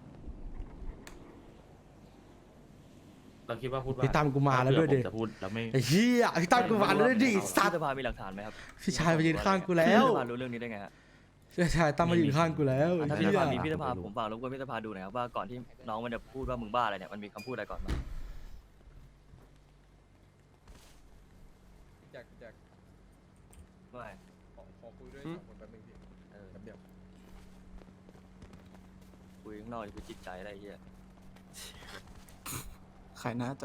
[SPEAKER 10] เราคิดว่าพูดว่า
[SPEAKER 5] พี่ตั้มกูมาแล้วด้วยดิ
[SPEAKER 10] ผมจะพูดแล้วไม่
[SPEAKER 5] ไอ้เหี้ยพี่ตั้มกูมาแล้วด้วยดิสัต
[SPEAKER 2] ที่
[SPEAKER 5] ว์
[SPEAKER 2] สภามีหลักฐานไหมครับ
[SPEAKER 5] พี่ชายมายืนข้างกูแล้ว
[SPEAKER 2] พี่สภารู้เรื่องนี้ได้ไงฮะ
[SPEAKER 5] พี่ชายตั้มมายืนข้างกูแล้ว
[SPEAKER 2] อ่ะถ้า
[SPEAKER 5] ไอ้
[SPEAKER 2] พี่ส
[SPEAKER 5] เหี้ย
[SPEAKER 2] ภามีพี่สภาผมฝากรบกวนพี่สภาดูหน่อยครับว่าก่อนที่น้องมันจะพูดว่ามึงบ้าอะไรเนี่ยมันมีคำพูดอะไรก่อนบ้าง
[SPEAKER 4] แจ็คแจ็ค
[SPEAKER 2] ไม่
[SPEAKER 4] ขอขอคุยด้วยสองคนแป๊บนึงพี่
[SPEAKER 2] เออ
[SPEAKER 4] แป๊บเดียว
[SPEAKER 2] คุยข้างนอกนี่คือจิตใจอะไรเงี้ย
[SPEAKER 1] ใครนะจะ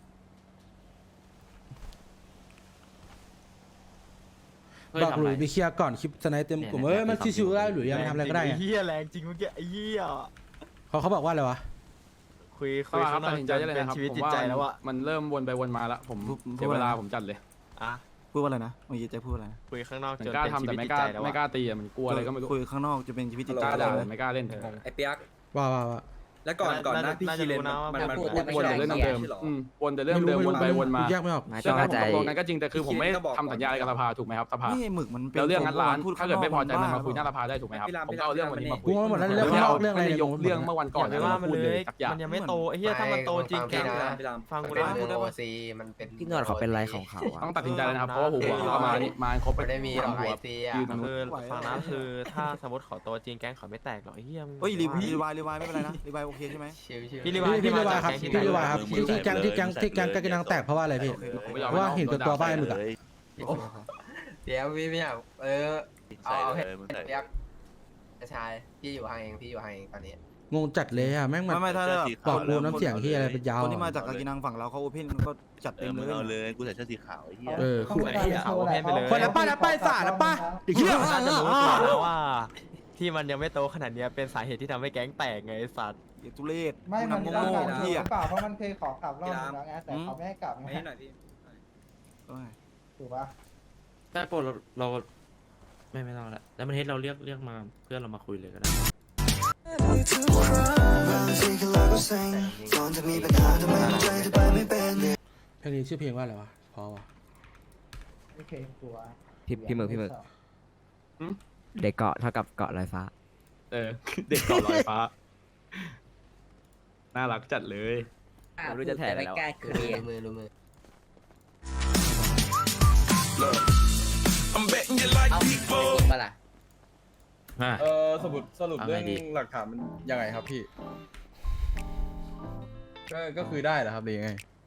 [SPEAKER 10] เฮ้ย
[SPEAKER 5] บอก
[SPEAKER 10] ทำ
[SPEAKER 5] หลุ
[SPEAKER 10] ไร
[SPEAKER 5] ยไปเคลียร์ก่อนคลิปสไนเต็มกลุ่ม
[SPEAKER 10] เนี่ย
[SPEAKER 5] เอ้ยมัน
[SPEAKER 10] เนี่ย
[SPEAKER 5] ชิวๆได้หรือยังทำอะไรก็ได้
[SPEAKER 4] ไอ้
[SPEAKER 5] อะ
[SPEAKER 4] เหี้ยแรงจริงเมื่อกี้ไอ้เหี้ย
[SPEAKER 5] เขาเขาบอกว่าอะไรวะ
[SPEAKER 4] คุย
[SPEAKER 11] ส
[SPEAKER 4] คุย
[SPEAKER 11] ภาครั
[SPEAKER 4] ข้า
[SPEAKER 11] บ
[SPEAKER 4] งนอ
[SPEAKER 11] ตัด
[SPEAKER 4] ก
[SPEAKER 11] สินใจได้เลย
[SPEAKER 4] เป็น
[SPEAKER 11] นะครับ
[SPEAKER 4] ชีวิต
[SPEAKER 11] ผม
[SPEAKER 4] จิต
[SPEAKER 11] ว่า
[SPEAKER 4] ใจแล้วอะ
[SPEAKER 11] มันเริ่มวนไปวนมาแล้วผม
[SPEAKER 1] พูด
[SPEAKER 11] เสียเวลาผมจัดเลย
[SPEAKER 4] อ่ะ
[SPEAKER 1] พูดว่าอะไรนะเมื่อกี้เจะพูดอะไรนะ
[SPEAKER 4] คุยข้างนอก
[SPEAKER 11] เหมือ
[SPEAKER 4] จน
[SPEAKER 11] นกล้า
[SPEAKER 4] เป็น
[SPEAKER 11] ทำ
[SPEAKER 4] ชี
[SPEAKER 11] แต่
[SPEAKER 4] วิต
[SPEAKER 11] ไม่
[SPEAKER 4] จิต
[SPEAKER 11] กล้า
[SPEAKER 4] ใจแล้ว
[SPEAKER 11] ไม่
[SPEAKER 4] อะ
[SPEAKER 11] กล้าตีอะมันกลัวอะไรก็ไม่รู้
[SPEAKER 1] คุยข้างนอกจะเป็นชีวิตจิต
[SPEAKER 11] ก
[SPEAKER 1] ใจ
[SPEAKER 11] ล้าด่า
[SPEAKER 1] เล
[SPEAKER 11] แต่
[SPEAKER 1] ย
[SPEAKER 11] ไม่กล้าเล่น
[SPEAKER 6] ไอ้เปียก
[SPEAKER 5] ว่าว่าว่า
[SPEAKER 6] แล้วก่อนก่อนหนะพี่
[SPEAKER 4] น่า
[SPEAKER 6] คี
[SPEAKER 4] จะ
[SPEAKER 6] เล
[SPEAKER 4] รู้
[SPEAKER 6] น
[SPEAKER 4] นะว่า
[SPEAKER 6] มันมัน
[SPEAKER 7] พูด
[SPEAKER 6] พูด
[SPEAKER 11] วน
[SPEAKER 6] ไม่
[SPEAKER 11] แต่
[SPEAKER 6] ใช่
[SPEAKER 11] เรื่อง
[SPEAKER 6] เหรอ
[SPEAKER 11] เดิม
[SPEAKER 6] ใช่เหรอ
[SPEAKER 11] ๆอืมวนแต่เรื่องเดิมวนไปวนมา
[SPEAKER 5] แยกไม่ออก
[SPEAKER 7] ไม่
[SPEAKER 11] เรื่
[SPEAKER 7] ต้
[SPEAKER 11] อ
[SPEAKER 7] อง ง
[SPEAKER 11] ที่
[SPEAKER 7] เข้า ใจ
[SPEAKER 11] ผมตกลงกันก็จริงแต่คือผมไม่
[SPEAKER 6] พี่ก็บอก
[SPEAKER 11] ทำสัญญาอะไรกับสภาถูกไหมครับสภา
[SPEAKER 1] นี่หมึกมันเป็น
[SPEAKER 11] แล้วเรื่องงัดร้าน
[SPEAKER 1] พูด
[SPEAKER 11] ถ้าเกิดไม่พอใจ
[SPEAKER 1] ข้
[SPEAKER 11] มัน
[SPEAKER 1] ง
[SPEAKER 11] มาคุยหน้า
[SPEAKER 1] บ้
[SPEAKER 11] สภาได้ถูกไหมครับ
[SPEAKER 6] พี่ราม
[SPEAKER 11] ผมก็เอาเรื่องวันนี้มาคุ
[SPEAKER 5] กู
[SPEAKER 11] ย
[SPEAKER 5] ว่าหมดแล้ว
[SPEAKER 11] ไม่
[SPEAKER 5] เรื่องข้างนอกเรื่องอะไร
[SPEAKER 11] ได้ยกเรื่องเมื่อวันก่อน
[SPEAKER 4] อย่าไปว่ามัน
[SPEAKER 11] พูด
[SPEAKER 4] เลย
[SPEAKER 11] สักอย่าง
[SPEAKER 4] มันยังไม่โตไอ้เหี้ยถ้ามันโตจริงแกงนะ
[SPEAKER 6] พี่ราม
[SPEAKER 4] ฟังกู
[SPEAKER 9] เป็
[SPEAKER 4] นะ
[SPEAKER 9] น
[SPEAKER 4] พูดได้
[SPEAKER 9] โอ
[SPEAKER 4] ปะ
[SPEAKER 9] ซีมันเป็น
[SPEAKER 7] พี่นวดเขาเป็นไรของเขาอะ
[SPEAKER 11] ต้องตัดสินใจแล้วนะครับเพราะว่าหัวเขามานี่มาครบ
[SPEAKER 9] ไม่ได้มีหรอกไอซีอ่ะ
[SPEAKER 11] ยืนตรงนู้น
[SPEAKER 4] คือฟังนะคือถ้าสมมติเขาโตจริงแก๊งเขาไม่แตกหรอกไอ้เหี้ยมึง
[SPEAKER 1] เฮ้ยรีรีวายรีวายไม่เป็นไรนะรีวายโอเคใช่ไหม
[SPEAKER 9] ชิวๆ
[SPEAKER 4] พี่รี
[SPEAKER 5] พี่
[SPEAKER 4] วาย
[SPEAKER 5] พี่รีวายครับ
[SPEAKER 4] ที่
[SPEAKER 5] พี่
[SPEAKER 4] มาจาก
[SPEAKER 5] รีวายครับ
[SPEAKER 4] แก๊งที่
[SPEAKER 5] ที่ที่แก๊งที่แก๊งที่แก๊งกระนังแตกเพราะว่าอะไรพี่
[SPEAKER 11] ผมไม่ยอม
[SPEAKER 5] เพราะว่าเห็นกับตัวบ้านหมึกอะ
[SPEAKER 9] เดี๋ยวพี่ไม่อยากเออเอาเอาให้เปียกชายพี่อยู่ห่างเองพี่อยู่ห่างเองตอนนี้
[SPEAKER 5] งงจัดเลยอะแม่งมัน
[SPEAKER 1] ไม่ไม่ถ้าแบบ
[SPEAKER 5] บอกกูน้ำเสียงที่อะไรเป็นยาว
[SPEAKER 1] คนที่มาจากกากินังฝั่งเราเขาโอเพนก็จัดเต็มเลย
[SPEAKER 10] เอาเลยกูใส่เสื้อสีขาวไอ้เหี้ย
[SPEAKER 5] เออ
[SPEAKER 8] เขาไม่ได้
[SPEAKER 4] เอาให้ไปเลย
[SPEAKER 5] คนละป้าละป้าสาละป้าเด็กเหี้ย
[SPEAKER 4] น่าจะรู้ตัวแล้วว่า ที่มันยังไม่โตขนาดเนี้ยเป็นสาเหตุที่ทำให้แก๊งแตกไงไอ้สัตว์
[SPEAKER 1] เด็กทุเรศ
[SPEAKER 8] ไม่มัน
[SPEAKER 1] กู
[SPEAKER 8] ต้อง
[SPEAKER 1] นำโง่
[SPEAKER 8] การ
[SPEAKER 1] ๆ
[SPEAKER 8] หรื
[SPEAKER 1] เหี้ย
[SPEAKER 8] อเปล่าเพราะมันเคยขอกลับรอบนึงแล้วไงแต่เขาไม่ให้กลับไง
[SPEAKER 6] ไม่หน่อยพี่
[SPEAKER 1] เอ้ย
[SPEAKER 8] ถูกปะ
[SPEAKER 10] แต่โปรเราเราไม่ไม่ต้องละแล้วมันเฮ็ดเราเรียกเรียกมาเพื่อนเรามาคุยเลยก็ได้
[SPEAKER 5] เพลงนี้ชื่อเพลงว่าอะไรวะพอวะ
[SPEAKER 8] ไม่เคยกลัว
[SPEAKER 7] พี่พี่หมึกพี่หมึกเด็กเกาะเท่ากับเกาะลอยฟ้า
[SPEAKER 11] เออเด็กเก่อลอยฟ้าน่ารักจัดเลย
[SPEAKER 7] ไม่รู้จะแถอะไรแล้ว
[SPEAKER 9] รู้มือรู้มือเอาจริงปะล่ะ
[SPEAKER 10] อ่ะ
[SPEAKER 4] เออสรุปสรุป
[SPEAKER 10] เอา
[SPEAKER 4] เรื่
[SPEAKER 10] ไง
[SPEAKER 4] อง
[SPEAKER 10] ดี
[SPEAKER 4] หลักฐานมันยังไงครับพี่ ก็ก็คือได้เหรอครับหรือยังไง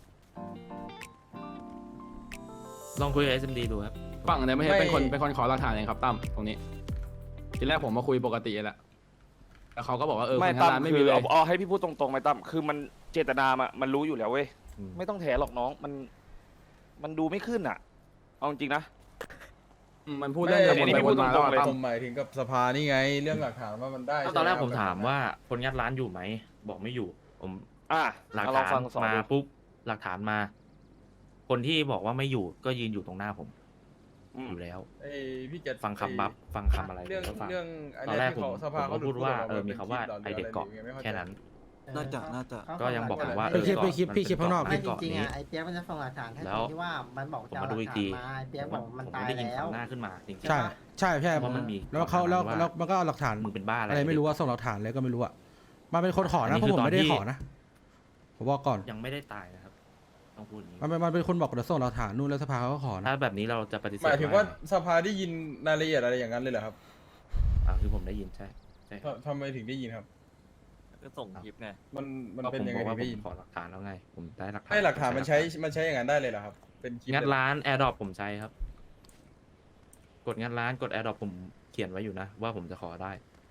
[SPEAKER 10] ลองคุยกับ เอส เอ็ม ดี ดูครับ
[SPEAKER 11] ฝั่งเนี่ยไม่ใช่
[SPEAKER 4] ไม่
[SPEAKER 11] เป็นคนเป็นคนขอหลักฐานเองครับตั้มตรงนี้ ทีแรกผมมาคุยปกติแหละแต่เขาก็บอกว่าเออ
[SPEAKER 12] ไม่
[SPEAKER 11] คน
[SPEAKER 12] ตั้
[SPEAKER 11] งาน
[SPEAKER 12] ม
[SPEAKER 11] ไม่
[SPEAKER 12] คื
[SPEAKER 11] มี
[SPEAKER 12] อ
[SPEAKER 11] เลย
[SPEAKER 12] เอาเอาให้พี่พูดตรงๆไหมตั้มคือมันเจตนามามันรู้อยู่แล้วเว้ย
[SPEAKER 10] อืม
[SPEAKER 12] ไม่ต้องแถหรอกน้องมัน มันดูไม่ขึ้นอ่ะ เอาจริงๆนะ
[SPEAKER 11] อืมมันพูดเรื่องเดิมวนไปวนมาแล้วอะตั้ม
[SPEAKER 4] ผมหมายถึงกับสภานี่ไง เรื่องหลักฐานว่ามันได้
[SPEAKER 10] ตอนแรก
[SPEAKER 4] ใช่ไห
[SPEAKER 10] ผมถามว่าคนงัดร้านอยู่ไหม บอกไม่อยู่ ผม
[SPEAKER 12] อ่ะ
[SPEAKER 10] หลัก
[SPEAKER 12] เอาลอ
[SPEAKER 10] ฐาง น
[SPEAKER 12] ฟังสอง
[SPEAKER 10] มา
[SPEAKER 12] ดู
[SPEAKER 10] ปุ๊บหลักฐานมาคนที่บอกว่าไม่อยู่ก็ยืนอยู่ตรงหน้าผมอยู่แล้ว
[SPEAKER 4] ไอ้พี่เจ็ด
[SPEAKER 10] ฟังคำบัฟฟังคำอะไร
[SPEAKER 4] เรื่อง
[SPEAKER 10] ผมก็ฟัง
[SPEAKER 4] เรื่องอัน
[SPEAKER 10] ตอน
[SPEAKER 4] เนี้ย
[SPEAKER 10] แรก
[SPEAKER 4] ที่
[SPEAKER 10] ผม
[SPEAKER 4] เขาส
[SPEAKER 10] ผม
[SPEAKER 4] ภาเขา
[SPEAKER 10] ก็พูดว่าเออ
[SPEAKER 4] หลุ
[SPEAKER 10] มี
[SPEAKER 4] ด
[SPEAKER 10] คำว่า
[SPEAKER 4] พูด
[SPEAKER 10] ไอเด็กเกาะ
[SPEAKER 4] หรืออะไร
[SPEAKER 10] แค่นั้น
[SPEAKER 1] น่าจะน่าจะ
[SPEAKER 3] เขา
[SPEAKER 10] ก็ยังบอกผมว่า
[SPEAKER 3] เออ
[SPEAKER 5] พี่พี่พี่พี่คิดข้างนอก
[SPEAKER 3] ไม่
[SPEAKER 5] พี่
[SPEAKER 3] จริงๆอ่ะไอ้เปียกมันจะส่งหลักฐานให้
[SPEAKER 10] แล้
[SPEAKER 3] ตร
[SPEAKER 10] ว
[SPEAKER 3] งที่ว่ามันบอก
[SPEAKER 10] ผม
[SPEAKER 3] จะเอา
[SPEAKER 10] มา
[SPEAKER 3] หลั
[SPEAKER 10] ดู
[SPEAKER 3] ก
[SPEAKER 10] อีก
[SPEAKER 3] ฐา
[SPEAKER 10] ที
[SPEAKER 3] นมาไอ้เปียกบอกมัน
[SPEAKER 10] ผม
[SPEAKER 3] ตาย
[SPEAKER 10] ไม่ได้ยิน
[SPEAKER 3] แล้ว
[SPEAKER 10] คำหน้าขึ้นมาจริงๆ
[SPEAKER 5] ใช่ใช่ใช่
[SPEAKER 10] เพราะมันมี
[SPEAKER 5] แล้วเขาแล้ว
[SPEAKER 10] ว่า
[SPEAKER 5] แล้วมันก็เอาหลักฐาน
[SPEAKER 10] มึงเป็นบ้าอะไร
[SPEAKER 5] อะไรไม่รู้ว่าส่งหลักฐานอะไรก็ไม่รู้อะมันเป็นคนขอ
[SPEAKER 10] อัน
[SPEAKER 5] นะ
[SPEAKER 10] นี้
[SPEAKER 5] เพราะผม
[SPEAKER 10] คือ
[SPEAKER 5] ไม่ได้
[SPEAKER 10] ตอนที่
[SPEAKER 5] ขอนะผมบอกก่อน
[SPEAKER 10] ยังไม่ได้ตายนะครับต้องพูดอย่างนี้
[SPEAKER 5] มันเป็นมันเป็นคนบอกเดี๋ยวส่งหลักฐานนู่นแล้วสภาเขาก็ขอนะ
[SPEAKER 10] ถ้าแบบนี้เราจะปฏิเสธ
[SPEAKER 4] หมายถึงว่า
[SPEAKER 10] ไไ
[SPEAKER 4] สภาได้ยินรายละเอียดอะไรอย่างนั้นเลยเหรอครับ
[SPEAKER 10] อ่าคือผมได้ยินใช่ใช่ครับ
[SPEAKER 4] ทำทำไมถึงได้ยินครับ
[SPEAKER 2] ก็ส่งคลิปไง
[SPEAKER 4] มันมัน
[SPEAKER 10] ก็
[SPEAKER 4] เป็น
[SPEAKER 10] ผม
[SPEAKER 4] ยัง
[SPEAKER 10] บ
[SPEAKER 4] ไง
[SPEAKER 10] อกว่า
[SPEAKER 4] ถึง
[SPEAKER 10] ผ
[SPEAKER 4] ได้
[SPEAKER 10] ม
[SPEAKER 4] ยิน
[SPEAKER 10] ขอหลักฐานแล้วไง ผมได้หลักฐาน
[SPEAKER 4] ให้หลักฐานมันใช้
[SPEAKER 10] ผ
[SPEAKER 4] มันใช้อย่างนั้นได้เลยเหรอครับ เป็นคลิป
[SPEAKER 10] งัด
[SPEAKER 4] เลยเหรอ
[SPEAKER 10] ร้านแอร์ดรอปผมใช้ครับ กดงัดร้านกดแอร์ดรอปผมเขียนไว้อยู่นะ ว่าผมจะขอได้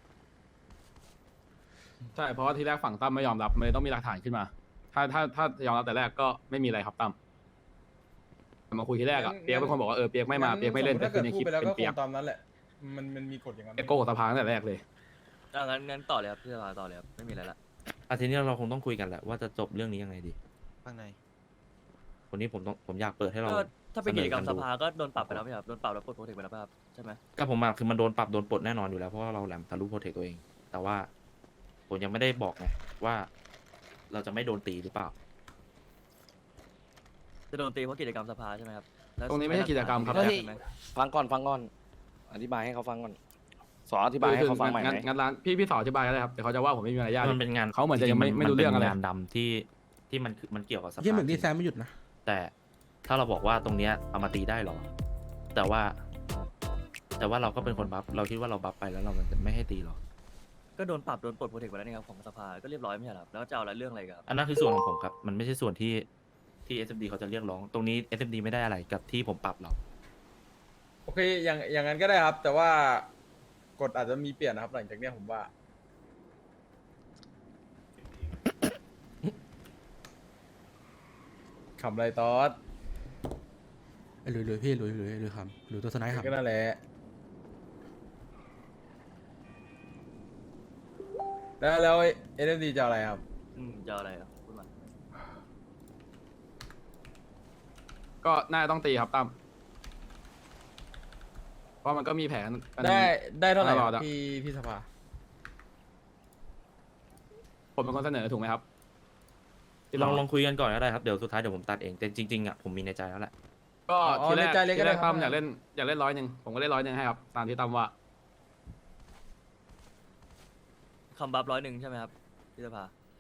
[SPEAKER 11] ใช่เพราะว่าทีแรกฝั่งตั้มไม่ยอมรับมันเลยต้องมีหลักฐานขึ้นมา ถ้าถ้าถ้ายอมรับแต่แรกก็ไม่มีอะไรครับตั้มมาคุยทีแรกอะเปียกเป็นคนบอกว่าเออเปียกไม่มาเปียกไม่เล่นแต่
[SPEAKER 4] ถ้า
[SPEAKER 11] คื
[SPEAKER 4] เกิ
[SPEAKER 11] อ
[SPEAKER 4] ด
[SPEAKER 11] ใน
[SPEAKER 4] พู
[SPEAKER 11] ค
[SPEAKER 4] ด
[SPEAKER 11] ลิป
[SPEAKER 4] ไปแล้ว
[SPEAKER 11] เป็
[SPEAKER 4] ก็
[SPEAKER 11] น
[SPEAKER 4] ค
[SPEAKER 11] เปีย
[SPEAKER 4] ง
[SPEAKER 11] ก
[SPEAKER 4] ตามนั้นแหละ มันมันมีกฎอย่างนั้น
[SPEAKER 11] เปียกโกหกสภาตั้งแต่แรกเลย
[SPEAKER 2] อ่ะงั้นงั้นต่อเลยครับพี่สภาต่อเลยครับไม่มีอะไรละ
[SPEAKER 10] อาทีนี้เราคงต้องคุยกันแหละว่าจะจบเรื่องนี้ยังไงดี
[SPEAKER 12] ข้างใน
[SPEAKER 10] คนนี้ผมต้องผมอยากเปิดให้เรา
[SPEAKER 2] ก็ถ้าเป็นกิจกรรม
[SPEAKER 10] เส
[SPEAKER 2] ส
[SPEAKER 10] นอกันดู
[SPEAKER 2] ภาก็โดนปรับไปแล้วไหมครับโดนปรับแล้วปลดโปรเทคไปแล้วป่ะครับใช่ไหม
[SPEAKER 10] ก็ผมมาคือมันโดนปรับโดนปลดแน่นอนอยู่แล้วเพราะว่าเราแหลมทะลุโปรเทคตัวเอง แต่ว่าผมยังไม่ได้บอกไงว่าเราจะไม่โดนตีหรือเปล่า
[SPEAKER 2] จะโดนตีเพราะกิจกรรมสภาใช่ไหมครับแล้ว
[SPEAKER 11] ตรงนี้ไม่ใช่กิจกรรมครับ
[SPEAKER 2] ใช่
[SPEAKER 12] เฮ้ย
[SPEAKER 2] ไหม
[SPEAKER 12] ฟังก่อนฟังก่อน อธิบายให้เขาฟังก่อน สอนอธิบายให้เขาฟังใหม่ไห
[SPEAKER 11] งั้น
[SPEAKER 12] ม
[SPEAKER 11] งั้นร้านพี่พี่สอนอธิบายก็ได้ครับเดี๋ยวเขาจะว่าผมไม่มีมารยาท
[SPEAKER 10] มันเป็นงาน
[SPEAKER 11] เขาเหมือนจะยังไม่
[SPEAKER 10] จๆ
[SPEAKER 11] ไม่รู้เรื่องอะไร
[SPEAKER 10] มันเป็นงานดำที่ที่มันคือมันเกี่ยวกับสภา
[SPEAKER 5] ยี่หมึก
[SPEAKER 10] จ
[SPEAKER 5] นี่
[SPEAKER 10] ริง
[SPEAKER 5] แซมไม่หยุดนะ
[SPEAKER 10] แต่ถ้าเราบอกว่าตรงเนี้ยเอามาตีได้หรอ แต่ว่า แต่ว่าเราก็เป็นคนบัฟเราคิดว่าเราบัฟไปแล้วเรามันจะไม่ให้ตีหรอ
[SPEAKER 2] ก็โดนปรับโดนปลดโปรเทคไปแล้วนี่ครับของสภาก็เรียบร้อยไม่ใช่เหรอครับแล้วจะเอาอะไรเรื่องอะไรอีกครับ
[SPEAKER 10] อันนั้นคือส่วนของผมครับ มันไม่ใช่ส่วนที่ที่ เอส เอ็ม ดี เขาจะเรียกร้อง ตรงนี้ เอส เอ็ม ดี ไม่ได้อะไรกับที่ผมปรับเรา
[SPEAKER 4] โอเค อย่างอย่างนั้นก็ได้ครับ แต่ว่ากฎอาจจะมีเปลี่ยนนะครับ หลังจากเนี้ยผมว่า ขำอะไรตอส
[SPEAKER 5] ไอ้หลุยหลุยพี่หลุยหลุยหลุยคำหลุยตัวสไนค์คำ
[SPEAKER 4] ก็นั่นแหละ แล้วแล้วเอ็นเอ็มดีจะเอาอะไรครับ
[SPEAKER 2] อืมจะเอาอะไรครับพูดมา
[SPEAKER 11] ก็น่าจะต้องตีครับตั้มเพราะมันก็มีแผนอันนี้
[SPEAKER 4] ได้ได้เท่าไหร่
[SPEAKER 11] ต
[SPEAKER 4] ค
[SPEAKER 11] ล
[SPEAKER 4] รั
[SPEAKER 11] อบ ดอะ
[SPEAKER 4] พี่พี่สภา
[SPEAKER 11] ผมเป็นคนเสนอถูกไหมครับที่
[SPEAKER 10] ลอง
[SPEAKER 11] เรา
[SPEAKER 10] ลองคุยกันก่อนก็ได้ครับ เดี๋ยวสุดท้ายเดี๋ยวผมตัดเอง แต่จริงๆอ่ะผมมีในใจแล้วแหละ
[SPEAKER 11] ก็
[SPEAKER 4] อ๋อ
[SPEAKER 11] ทีแรก
[SPEAKER 4] ในใจเลยก็
[SPEAKER 11] ที
[SPEAKER 4] ได้
[SPEAKER 11] แรก
[SPEAKER 4] ครับ
[SPEAKER 11] ตั้มอยากเล่นอยากเล่นร้อยหนึ่งผมก็เล่นร้อยหนึ่งให้ครับตามที่ตั้มว่า
[SPEAKER 2] คำบัฟร้อยหนึ่งใช่ไหมครับพี่สภา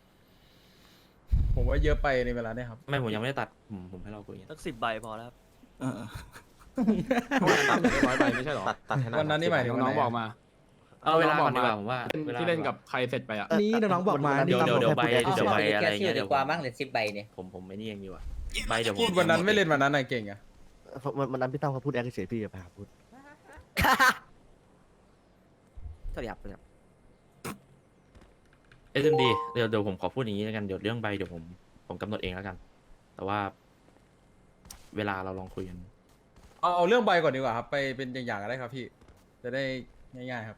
[SPEAKER 4] ผมว่าเยอะไปในเวลาเนี้ยครับ
[SPEAKER 10] ไม่ผมยังไม่ได้ตัดผมผมให้เราคุยกัน
[SPEAKER 2] สักสิบใบพอแล้วครับ
[SPEAKER 1] เออ
[SPEAKER 11] ตั้มอยากเล่นร้อยใบไม่ใช่หรอ
[SPEAKER 12] ตัดตัดให้หน่อย
[SPEAKER 4] วันนั้นนี่หมายถึง
[SPEAKER 11] น้องๆบอกมา
[SPEAKER 10] เอาเวลา
[SPEAKER 11] น้
[SPEAKER 10] ก่
[SPEAKER 11] อ
[SPEAKER 10] อง น
[SPEAKER 11] ๆ
[SPEAKER 10] ดี
[SPEAKER 11] บอก
[SPEAKER 10] กว่าผมว่า
[SPEAKER 11] เล่น
[SPEAKER 10] วลา
[SPEAKER 11] ที่เล่นกับใครเสร็จไปอะ
[SPEAKER 5] นี่น้องๆบอกมา
[SPEAKER 10] เดี๋ยวเดี๋ยวเดี๋ยวใบ
[SPEAKER 5] นี่
[SPEAKER 10] เดี๋ยวใบ
[SPEAKER 5] ตาม
[SPEAKER 10] อะไรเงี้ยเดี๋ยวผม
[SPEAKER 9] บ้างเหลือสิบใบเนี่ย
[SPEAKER 10] ผมผมไม่นี่เองดีกว่าใบเดี๋ยวผม
[SPEAKER 4] พูดวันนั้นไม่เล่นวันนั้นน่ะเก่งอะ
[SPEAKER 12] มันมันนั้นพี่ตั้มเขาพูดแอคเฉยพี่อย่าไปหาพูด
[SPEAKER 7] สวัสดีครับสวัสดีครับ
[SPEAKER 10] เอสเอ็มดีเดี๋ยวเดี๋ยวผมขอพูดอย่างนี้แล้วกันเดี๋ยวเรื่องใบเดี๋ยวผมผมกำหนดเองแล้วกัน แต่ว่า เวลาเราลองคุยกัน
[SPEAKER 4] เอาเอาเรื่องใบก่อนดีกว่าครับ ไปเป็นอย่างๆก็ได้ครับพี่ จะได้ง่ายๆครับ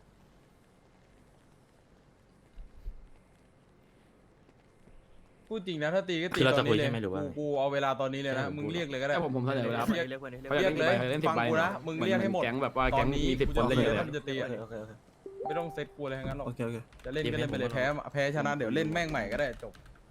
[SPEAKER 4] พูดจริงนะถ้าตีก็ตี
[SPEAKER 10] คือเรา
[SPEAKER 4] ต
[SPEAKER 10] จะ
[SPEAKER 4] อน
[SPEAKER 10] คุย
[SPEAKER 4] นี้เลย
[SPEAKER 10] ใช่ไหมหรือว่า
[SPEAKER 4] กูกูเอาเวลาตอนนี้เลยนะ
[SPEAKER 10] ใช่ผม
[SPEAKER 4] มึง
[SPEAKER 10] พูด
[SPEAKER 4] เรียกเลยก็ได้
[SPEAKER 11] แต่ผมผมเสนอไปแล้วครับ
[SPEAKER 2] เรียกเพื่อนดิเรียก
[SPEAKER 4] เรียกเลย
[SPEAKER 11] เล่นสิบ
[SPEAKER 4] ฟัง
[SPEAKER 11] ใบ
[SPEAKER 4] กูนะมึงเรียกให้หมด
[SPEAKER 11] แก๊งแบบว่า
[SPEAKER 4] ต
[SPEAKER 11] แก๊
[SPEAKER 4] อน
[SPEAKER 11] ง
[SPEAKER 4] นี้
[SPEAKER 11] มีสิบคน
[SPEAKER 4] กู
[SPEAKER 11] เล่น
[SPEAKER 4] จะ
[SPEAKER 11] เลย
[SPEAKER 4] อามันจะตีอะ
[SPEAKER 1] โอเคโอเคโอเค
[SPEAKER 4] ไม่ต้องเซตกูอะไรทั้งนั้นหรอก
[SPEAKER 1] โอเคโอเค
[SPEAKER 4] จะเล่นก็เล่นไปเลยแพ้แพ้ชนะเดี๋ยวเล่นแม่งใหม่ก็ได้จบ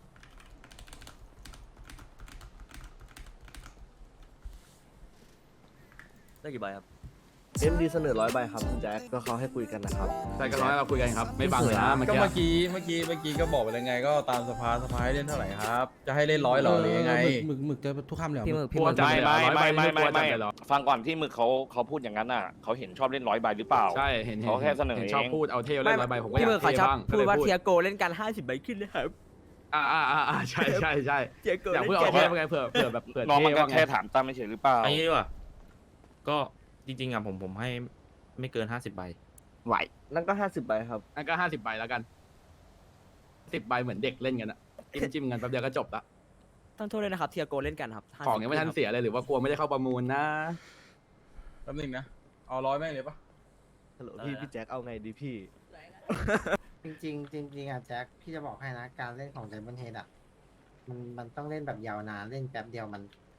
[SPEAKER 2] ได้กี่ใบครับ
[SPEAKER 12] เอ็มดีเสนอร้อยใบครับคุณแจ็คก็เขาให้คุยกันนะครับ
[SPEAKER 11] ใช่ก็ร้อยเราคุยกันครับไม่บังเลยนะเมื่อ
[SPEAKER 4] ก็
[SPEAKER 11] กี้
[SPEAKER 4] เมื่อกี้เมื่อกี้เมื่อกี้ก็บอกไปแล้วไงก็ตามสภาสภาให้เล่นเท่าไหร่ครับ จะให้เล่นร้อยหรอหรือยังไง
[SPEAKER 5] หมึกหมึกจะทุกคำเลยเหรอ
[SPEAKER 7] พี่หมึกพี่
[SPEAKER 11] ก
[SPEAKER 7] ห
[SPEAKER 11] ลั
[SPEAKER 7] มึ
[SPEAKER 11] ว
[SPEAKER 7] ก
[SPEAKER 11] จัด
[SPEAKER 12] ไม่
[SPEAKER 11] เลยเหรอ
[SPEAKER 12] ไม่
[SPEAKER 11] ร้อยใบ
[SPEAKER 12] ไม่ไม่
[SPEAKER 11] กลัวจัด
[SPEAKER 12] ไม่
[SPEAKER 11] เลยเหรอ
[SPEAKER 12] ฟังก่อนที่หมึกเขาเขาพูดอย่างนั้นน่ะเขาเห็นชอบเล่นร้อยใบหรือเปล่า
[SPEAKER 11] ใช่เห็นเห็น
[SPEAKER 12] เขาแค่เสนอ
[SPEAKER 11] ห็
[SPEAKER 12] เอง
[SPEAKER 11] ชอบพูดเอาเที่ยวเล่นร้อยใบผมก็อ
[SPEAKER 7] พี่หมึ
[SPEAKER 11] ยาก ก
[SPEAKER 7] เขา
[SPEAKER 11] เท่
[SPEAKER 7] ชอบ
[SPEAKER 11] บ้าง
[SPEAKER 7] พูดว่า
[SPEAKER 11] ก็ล
[SPEAKER 7] เทียโกเล่นกันห้าสิบใบขึ้นเลยครับ
[SPEAKER 11] อ่าอ่าอ่าอ่าใช่ใช่ใช่
[SPEAKER 7] เทียโก
[SPEAKER 11] อยาก
[SPEAKER 7] เล่
[SPEAKER 11] พูด
[SPEAKER 7] น
[SPEAKER 11] เอา
[SPEAKER 7] กัน
[SPEAKER 11] เที่ยวไงเผื่อเผื่อแบบเผื่อ
[SPEAKER 12] น้อง
[SPEAKER 11] เท่
[SPEAKER 12] มันก็
[SPEAKER 11] ว่าไง
[SPEAKER 12] แค่ถามตั้มไม่เฉยหรือเปล่า
[SPEAKER 10] อันนี้ดีกว่าก็จริงๆอ่ะผมผมให้ไม่เกินห้าสิบใบ
[SPEAKER 12] ไหวนั่นก็ห้าสิบใบครับ
[SPEAKER 11] นั่นก็ห้าสิบใบแล้วกันสิบใบเหมือนเด็กเล่นกันอะจิ้มจิ้มกันแป๊บเดียวก็จบละ
[SPEAKER 7] ต้องโทษเลยนะครับเทียโกเล่นกันครับ
[SPEAKER 11] ของยังไม่ทันเสียเลยหรือว่ากลัวไม่ได้เข้าประมูลนะ
[SPEAKER 4] แป๊บนึงนะ เอาร้อยแม่งเลยปะ
[SPEAKER 1] ฮัลโหลพี่พี่แจ็คเอาไงดีพี่
[SPEAKER 3] จริงๆจริงๆอ่ะแจ็คพี่จะบอกให้นะการเล่นของไดมอนเฮดอ่ะมันมันต้องเล่นแบบยาวนานเล่นแป๊บเดียวมัน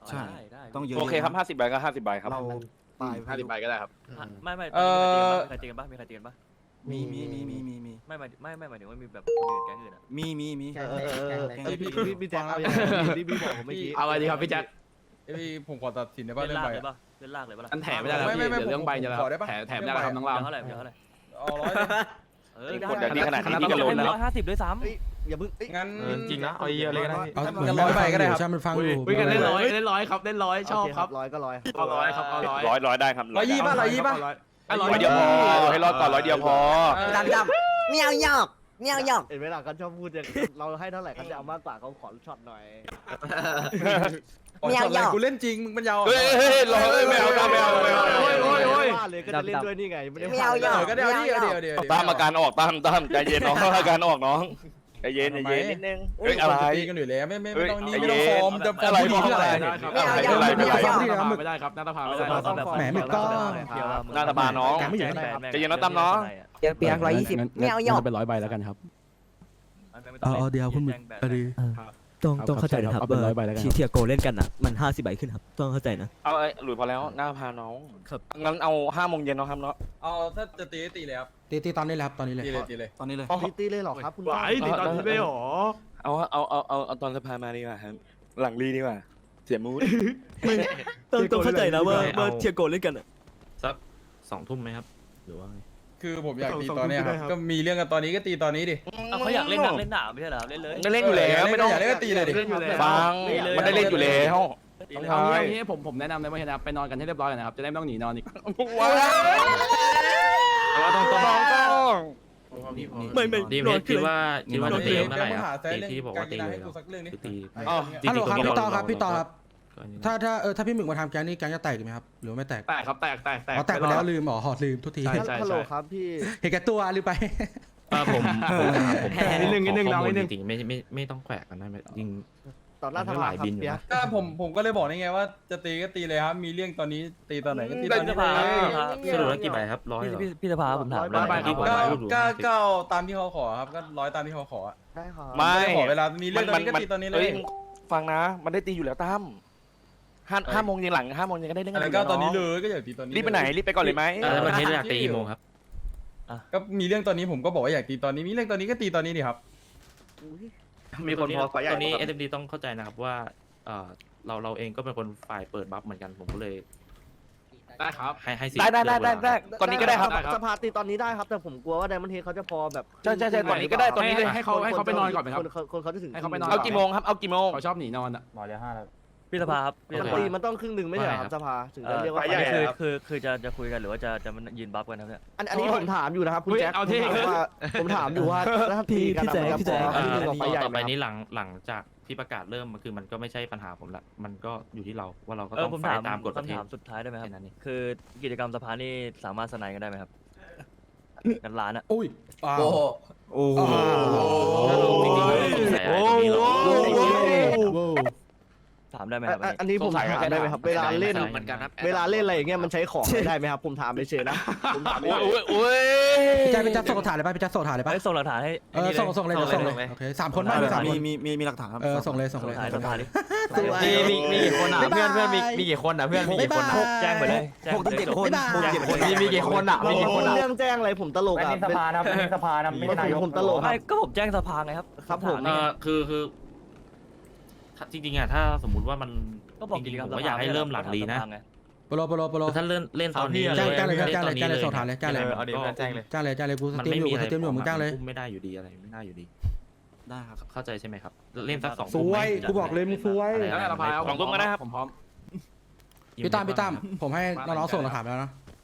[SPEAKER 1] ใช่
[SPEAKER 2] ได้ได้
[SPEAKER 1] ต้องเยอะ
[SPEAKER 12] โอเคครับห้าสิบใบก็ห้าสิบใบครับ
[SPEAKER 1] เราตาย
[SPEAKER 11] ห้าสิบใบก็ได้ครับ
[SPEAKER 2] อ่ะไม่ไม่
[SPEAKER 11] เอ่อ
[SPEAKER 2] มีใครตีกันปะมีใครตีกันปะ
[SPEAKER 1] มีมีมีมีมีมี
[SPEAKER 2] ไม่หมายไม่ไม่หมายถึงว่ามีแบบคนอื่นแก๊งอื่นอะ
[SPEAKER 1] มีมีมี
[SPEAKER 3] แกงเล็กแกงเล็ก
[SPEAKER 1] แกงเล็ก
[SPEAKER 5] พี่พี่แจ็คเอาอย่างที่พี่บอกผมเมื่อกี้
[SPEAKER 11] เอาไงดีครับพี่แจ็ค
[SPEAKER 13] พี่ผมขอตัดสินได้ป่ะ
[SPEAKER 2] เล่น
[SPEAKER 13] เรื่อง
[SPEAKER 2] ลาก
[SPEAKER 13] ใบ
[SPEAKER 2] เลย
[SPEAKER 13] อะ
[SPEAKER 2] ปะเล่นลากเลยปะล่ะ
[SPEAKER 11] อันแถมไม่ได้แล้ว
[SPEAKER 13] ไม่
[SPEAKER 11] พี่
[SPEAKER 13] ไม่ไม่
[SPEAKER 11] เดี๋ยวเรื่องใบจะแล้ว
[SPEAKER 13] ขอได้ปะ
[SPEAKER 11] แถมแถมได้แล้วครับน้องราม
[SPEAKER 2] เดี๋ยวเท่าไหร่เดี๋ยวเท่าไหร่
[SPEAKER 13] เอาร้อยเลย
[SPEAKER 2] เออได้
[SPEAKER 12] กดแบบนี้ขนาดนี้พี่ก็
[SPEAKER 2] ก็
[SPEAKER 12] โหล
[SPEAKER 2] ล
[SPEAKER 12] ด
[SPEAKER 2] ด
[SPEAKER 12] แล้ว
[SPEAKER 2] ร้อยห้าสิบด้วยซ้
[SPEAKER 5] อย่าเพิ่งเอ้ย
[SPEAKER 13] งั้น
[SPEAKER 4] เออจริงนะเอาเยอะเลยก็ได้พี่
[SPEAKER 5] เอาเหมือนร้อยใบก็ได้ครับใช่มันฟังอยู่
[SPEAKER 11] คุยกันเล่นร้อยเล่นร้อยครับเล่นร้อยชอบครับ
[SPEAKER 5] ร้อยก็ร้อย
[SPEAKER 11] เอาร้อยครับเอาร้อย
[SPEAKER 10] ร้อยร้อยได้ครับ
[SPEAKER 13] ร้อยยี่ป่ะร้อยยี่ป่ะ
[SPEAKER 11] อ่ะ
[SPEAKER 10] ร้อยเดียวพอให้รอดก่อนร้อยเดียวพอ
[SPEAKER 7] ดำดำเมียวหยอกเมียวหยอก
[SPEAKER 5] เห็นไหมล่ะเขาชอบพูดอย่างเราให้เท่าไหร่เขาจะเอามากกว่าเขาขอช็อตหน่อย
[SPEAKER 7] เมียวหยอก
[SPEAKER 13] กูเล่นจริงมึงเป็นยาว
[SPEAKER 10] เฮ้ยเฮ้ยรอไม่เอาไม่เอาไม่เอา
[SPEAKER 11] โอ้ยโอ้ยโอ้ย
[SPEAKER 5] ว่าเลยก็จะเล่นด้วยนี่ไงไม่ได้
[SPEAKER 7] เมียวหยอก
[SPEAKER 13] ก็เดี๋ยวเดี๋ยวเดี๋ยวเดี๋ยว
[SPEAKER 10] ตามอาการออกตามตามใจเย็นน้องอาการออกน้องใจเย็นใจเย็นนิดนึงเฮ้ยอะไร
[SPEAKER 13] ตีกันอยู่แล้วไม่ไม่
[SPEAKER 10] เฮ้
[SPEAKER 13] ไม่
[SPEAKER 10] ย
[SPEAKER 13] ต้องนี่
[SPEAKER 10] ใจ
[SPEAKER 13] ไม่
[SPEAKER 10] เย็
[SPEAKER 13] ต้อง
[SPEAKER 10] น
[SPEAKER 13] ฟอร์มจะ
[SPEAKER 10] อะไร
[SPEAKER 13] พูดเพื่ออะไร
[SPEAKER 10] ได้ครับ
[SPEAKER 11] ไม่เอา
[SPEAKER 10] อะไรอะไร
[SPEAKER 11] ไม่
[SPEAKER 10] อะไร
[SPEAKER 11] เอาไม่ได้ครับหน้าตาพา
[SPEAKER 2] ำ
[SPEAKER 11] ไม่ได้ครับ
[SPEAKER 5] แหมไม่ต้อง
[SPEAKER 10] หน้าตาบานน้อง
[SPEAKER 5] แกไม่อยู่ใน
[SPEAKER 10] ใจเย็นนะตั้มเนาะ
[SPEAKER 7] เปียกเปียกร้อยยี่สิบเมียวหยอก
[SPEAKER 11] เป็นร้อยใบแล้วกันครับ
[SPEAKER 5] เอาเอาเดี๋ยวคุณมึงเอาดี
[SPEAKER 7] ต้อง
[SPEAKER 11] ครับ
[SPEAKER 7] ต้องเข้าใจนะครับ
[SPEAKER 11] เอาเป็นร้อยใบแล้วกัน
[SPEAKER 7] ที่เทียโกเล่นกันอ่ะมันห้าสิบใบขึ้นครับต้องเข้าใจนะ
[SPEAKER 10] เอาไอ้หลุยพอแล้วหน้าพาน้อง
[SPEAKER 7] ครับ
[SPEAKER 10] งั้นเอาห้าโมงเย็นเนาะครับเนาะ
[SPEAKER 13] เอาถ้าจะตีตีเลยครับ
[SPEAKER 5] ตีตีตอนนี้เลยครับตอนนี้เลย
[SPEAKER 13] ตีเลยตีเลย
[SPEAKER 1] ตอนนี้เลย
[SPEAKER 5] ตีตีเลยหรอครับคุณ
[SPEAKER 11] ไหวติดตอนนี้ไม่หรอ
[SPEAKER 10] เอาเอาเอาเอาเอาตอนสภามาดีกว่าครับหลังรีดีกว่าเสียมูด
[SPEAKER 7] ต้องต้องเข้าใจนะว่า
[SPEAKER 10] เอา
[SPEAKER 7] ว่าเทียโกเล่นกันอ่ะ
[SPEAKER 10] สักสองทุ่มไหมครับหรือว่าไง
[SPEAKER 13] คือผมอยากตีตอนเนี้ยครับก็มีเรื่องกันตอนนี้ก็ตีตอนนี้ดิ
[SPEAKER 2] เอาเขาอยากเล่นหนักเล่นหนาไม่ใช่เหรอเล่นเลย
[SPEAKER 10] ก็เล่นอยู่แล้วไม่ต้อง
[SPEAKER 13] อยากเล่นก็ตีเลยดิ
[SPEAKER 11] เล่นอยู่แล้ว
[SPEAKER 10] ฟังมันได้เล่นอยู่แล้ว
[SPEAKER 2] ตีเลย
[SPEAKER 11] เอางี้เอางี้ผมผมแนะนำเลยว่าเห็นนะไปนอนกันให้เรียบร้อยกันนะครับจะได้ไม่ต้องหนีนอนอีก
[SPEAKER 10] ว้าวต้องต้องต้อง
[SPEAKER 7] ไม่ไม่
[SPEAKER 10] ดีมคิดว่าคิดว่าจะตีเมื่อไหร่
[SPEAKER 13] เดี๋ยว
[SPEAKER 10] ครับ
[SPEAKER 13] หาแซะ
[SPEAKER 10] ตี
[SPEAKER 13] เรื่อง
[SPEAKER 10] ที่บอกว่าตี
[SPEAKER 13] การกีฬา
[SPEAKER 10] เลย
[SPEAKER 13] ให้กูสักเรื่องนี้
[SPEAKER 10] คือตี
[SPEAKER 5] อ๋อ
[SPEAKER 10] จริง
[SPEAKER 5] ฮัลโหล
[SPEAKER 10] ๆ
[SPEAKER 5] ครับ
[SPEAKER 10] ตรงนี้
[SPEAKER 5] พี่ต่อ
[SPEAKER 10] เรา
[SPEAKER 5] ครับพี่ต่อครับ
[SPEAKER 10] ก็อันนี้
[SPEAKER 5] ถ้าถ้าเออถ้าพี่หมึกมาทำแก๊งนี่แก๊งจะแตกอีกไหมครับหรือว่าไม่แตก
[SPEAKER 11] แตกครับแตกแตกแตก
[SPEAKER 5] อ๋อแตกไปแล้วลืมอ๋อหอดลืมทุกที
[SPEAKER 11] ใช่ใช่
[SPEAKER 5] ฮัลโหล
[SPEAKER 11] ใช่
[SPEAKER 5] ครับพี่เห็นแก่ตัวลืมไป
[SPEAKER 10] เออผมผมผม
[SPEAKER 11] นิดนึงนิดนึง
[SPEAKER 10] ขอ
[SPEAKER 11] เรา
[SPEAKER 10] ข้อมูล
[SPEAKER 11] นิดนึง
[SPEAKER 10] จริงๆไม่ไม่ไม่ต้องแขวะกันได้ไหมจริง
[SPEAKER 5] ต่อหน้า
[SPEAKER 10] มัน
[SPEAKER 5] ส
[SPEAKER 10] ก็ห
[SPEAKER 5] ภา
[SPEAKER 10] ลาย
[SPEAKER 5] ครับ
[SPEAKER 10] บินอยู่
[SPEAKER 5] เปีย
[SPEAKER 10] นะ
[SPEAKER 13] ก็ผมผมก็เลยบอกนี่ไงว่าจะตีก็ตีเลยครับมีเรื่องตอนนี้ตีตอนไหนก็ตีตอนนี้
[SPEAKER 2] สภา
[SPEAKER 13] เลย
[SPEAKER 10] สรุปแล้วกี่ใบครับร้อย
[SPEAKER 2] พี่
[SPEAKER 10] เหรอ
[SPEAKER 2] พี่พี่สภาผมถาม
[SPEAKER 11] ร้อยใบ
[SPEAKER 2] ที่ผม
[SPEAKER 13] ก็
[SPEAKER 2] ถาม
[SPEAKER 13] ก็ก็เอาตามที่เขาขอครับก็ร้อยตามที่เขาขออะ
[SPEAKER 5] ได้ครับ
[SPEAKER 10] ไม่
[SPEAKER 13] ด้ขอเวลามีเรื่องตอนนี้ก็ตีตอนนี้เลย
[SPEAKER 10] อ้ฟังนะ มันได้ตีอยู่แล้วตั้มห้าห้าโมงเย็นหลังห้าโมงเย็นก็ได้เล่น
[SPEAKER 13] อั
[SPEAKER 10] กัน น
[SPEAKER 13] นั้นก็ตอนนี้เลยก็อย่าตีตอนนี้
[SPEAKER 10] รีบไปไหนรีบไปก่อนเลยไหม
[SPEAKER 13] เออ
[SPEAKER 10] ประเทศอยากตีกี่โมงครับ
[SPEAKER 13] ก็มีเรื่องตอนนี้ผมก็บอกว่าอยากตีตอนนี้มีเรื่องตอนนี้ก็ตีตอนนี้ดิครับ
[SPEAKER 10] มีคนพอตอนนี้ เอส เอ็ม ดี ต้องเข้าใจนะครับว่าเออเราเราเองก็เป็นคนฝ่ายเปิดบัฟเหมือนกันผมก็เลย
[SPEAKER 11] ได้ครับ
[SPEAKER 10] ให้ให้สิท
[SPEAKER 1] ได้
[SPEAKER 10] ธิ์
[SPEAKER 1] ได้ได้
[SPEAKER 10] เลื
[SPEAKER 1] ได้
[SPEAKER 10] อกเวลา
[SPEAKER 1] ได้ตอนนี้ก็ได้ครับ
[SPEAKER 11] ได้ครับ
[SPEAKER 5] สภาตีตอนนี้ได้ครับ แต่ผมกลัวว่าไดมอนเทเขาจะพอแบบ
[SPEAKER 1] ใช่ใช่ใช่ตอนนี้ก็ได้ตอนนี้เลย
[SPEAKER 11] ให้ให้เขาให้เขาไปนอนก่อนไหมครับ
[SPEAKER 5] คนคนเขาจะถึง
[SPEAKER 11] ให้เขาไปนอน
[SPEAKER 10] เอากี่โมงครับเอากี่โมง
[SPEAKER 11] เขาชอบหนีนอนอ่ะ
[SPEAKER 13] หมอเดียวห้าแล้ว
[SPEAKER 2] พี่สภาครับพี่
[SPEAKER 5] มัน
[SPEAKER 2] สภา
[SPEAKER 5] ตีมันต้องครึ่งหนึ่งไม่ใช่เหรอครับสภาถึงจะเรียกว่า
[SPEAKER 2] อันนี้คือคือคือจะจะคุยกันหรือว่าจะจะมันยืนบัฟกันครับเนี่ย
[SPEAKER 5] อันอันนี้ผมถามอยู่นะครับคุณ
[SPEAKER 11] เฮ้ย
[SPEAKER 5] แจ็ค
[SPEAKER 11] เอาที่
[SPEAKER 5] ผมถามว่าผมถามอยู่ว่าถ้าตีกันอะมันจะพอ
[SPEAKER 10] เอ่
[SPEAKER 5] ที่
[SPEAKER 10] อ
[SPEAKER 5] หนึ่งออกไปใหญ่
[SPEAKER 10] ต่อ
[SPEAKER 5] ไห
[SPEAKER 10] ไป
[SPEAKER 5] มครับ
[SPEAKER 10] นี้หลังหลังจากที่ประกาศเริ่มมันคือมันก็ไม่ใช่ปัญหาผมละมันก็อยู่ที่เราว่าเราก็
[SPEAKER 2] เอ
[SPEAKER 10] ต้
[SPEAKER 2] อ
[SPEAKER 10] อง
[SPEAKER 2] ผม
[SPEAKER 10] ฝ่
[SPEAKER 2] ถาย ม
[SPEAKER 10] ตามกฎประเท
[SPEAKER 2] คำ
[SPEAKER 10] ศ
[SPEAKER 2] ถามสุดท้ายได้ไหมครับ
[SPEAKER 10] แค่นั้นเอง
[SPEAKER 2] คือกิจกรรมสภานี่สามารถสนายกันได้ไหมครับกันร้านอะ
[SPEAKER 5] อุ้ยอ้าว
[SPEAKER 9] โอ้โห
[SPEAKER 5] โอ้โห
[SPEAKER 10] จริงๆเราสงสัยอะไรตรงนี้เรา
[SPEAKER 2] ถามได้ไหมครับ
[SPEAKER 5] อันอันนี้ผมถามได้ไหมครับ เวลาเล่น
[SPEAKER 10] เหมือนกันครับ
[SPEAKER 5] เวลาเล่นอะไรอย่างเงี้ยมันใช้ของไม่ได้ไหมครับ ผมถามเฉยๆนะผมถาม
[SPEAKER 10] โอ้
[SPEAKER 5] เฉ
[SPEAKER 10] ย
[SPEAKER 5] ย
[SPEAKER 10] โอ้ยโอ้ย
[SPEAKER 5] พี่แจ๊คพี่แจ๊คส่งถ่ายเลยป่ะพี่แจ๊คส่งถ่ายเลยป่ะ
[SPEAKER 2] เอ้ยส่งหลักฐานให้
[SPEAKER 5] เออส่งส่งเลยเดี๋ยวส่งเลยโอเคสามคน
[SPEAKER 1] ได้
[SPEAKER 5] ได้
[SPEAKER 1] เลย
[SPEAKER 5] สาม
[SPEAKER 1] มี
[SPEAKER 5] คน
[SPEAKER 1] มีมีมีหลักฐานครับ
[SPEAKER 5] เออส่งเลยส่ง
[SPEAKER 2] ส่ง
[SPEAKER 5] เลย
[SPEAKER 2] หลักฐานส่งหลักฐานดิ
[SPEAKER 5] มีมีมีกี่คนอ่ะ
[SPEAKER 11] เพื่อนเพื่อนมีมีกี่คนอ่ะเพื่อนมีกี่คนอ่ะ
[SPEAKER 2] แจ้งไปเลยแจ้ง
[SPEAKER 1] หกถึงเจ็ดคนหกถึงเจ็ดคน
[SPEAKER 11] มีมีกี่คนอ่ะมีกี่คนอ่ะ
[SPEAKER 5] เรื่องแจ้งอะไรผมตลกอ่ะสภานะสภานะไม่ใช่นายกผมตลกค
[SPEAKER 2] ไม่
[SPEAKER 5] รับ
[SPEAKER 2] ก็ผมแจ้งสภาไงครับ
[SPEAKER 5] ครับผม
[SPEAKER 10] เออคือคือถ้าจริงๆอ่ะถ้าสมมุติว่ามัน
[SPEAKER 2] ก็บอก
[SPEAKER 10] จ
[SPEAKER 2] กิ
[SPEAKER 10] ริ
[SPEAKER 2] จ
[SPEAKER 10] ง
[SPEAKER 2] กรร
[SPEAKER 10] ๆ
[SPEAKER 2] ม
[SPEAKER 10] ผมก็อยากให้เริ่มหลังลีนะ
[SPEAKER 5] โปโลโปโลโปโล
[SPEAKER 10] ถ้าเล่นเล่นตอนนี้
[SPEAKER 5] แจ้งแจ้งเลย
[SPEAKER 10] น
[SPEAKER 5] แจ้งเลย
[SPEAKER 10] ตอนนี้
[SPEAKER 5] แจ้งเลยส่งฐานเลยแจ้งเลย
[SPEAKER 10] เอาดิแจ้งเลย
[SPEAKER 5] จ้างเลยจ้างเลยกูส
[SPEAKER 10] มัน
[SPEAKER 5] ตรีม
[SPEAKER 10] ไม่
[SPEAKER 5] อยู่
[SPEAKER 10] มี
[SPEAKER 5] กู
[SPEAKER 10] อะไร
[SPEAKER 5] สตรีมอยู่มึงจ้างเลย
[SPEAKER 10] อุ้มไม่ได้อยู่ดีอะไรไม่ได้อยู่ดี
[SPEAKER 1] ได้ครับ
[SPEAKER 10] เข้าใจใช่ไหมครับ เล่นสักสอง
[SPEAKER 5] ส
[SPEAKER 10] ทุ่มไหม
[SPEAKER 5] วยกูบอกเลยมึงสวย
[SPEAKER 10] อะไร
[SPEAKER 11] แล้ว
[SPEAKER 10] อะไร
[SPEAKER 11] เราพายเอา
[SPEAKER 10] สองทุ่มก็ได้ครับ
[SPEAKER 11] ผมพร้อม
[SPEAKER 5] พี่ตั้มพี่ตั้มผมให้น้องๆส่งหลักฐานไปแล้วนะ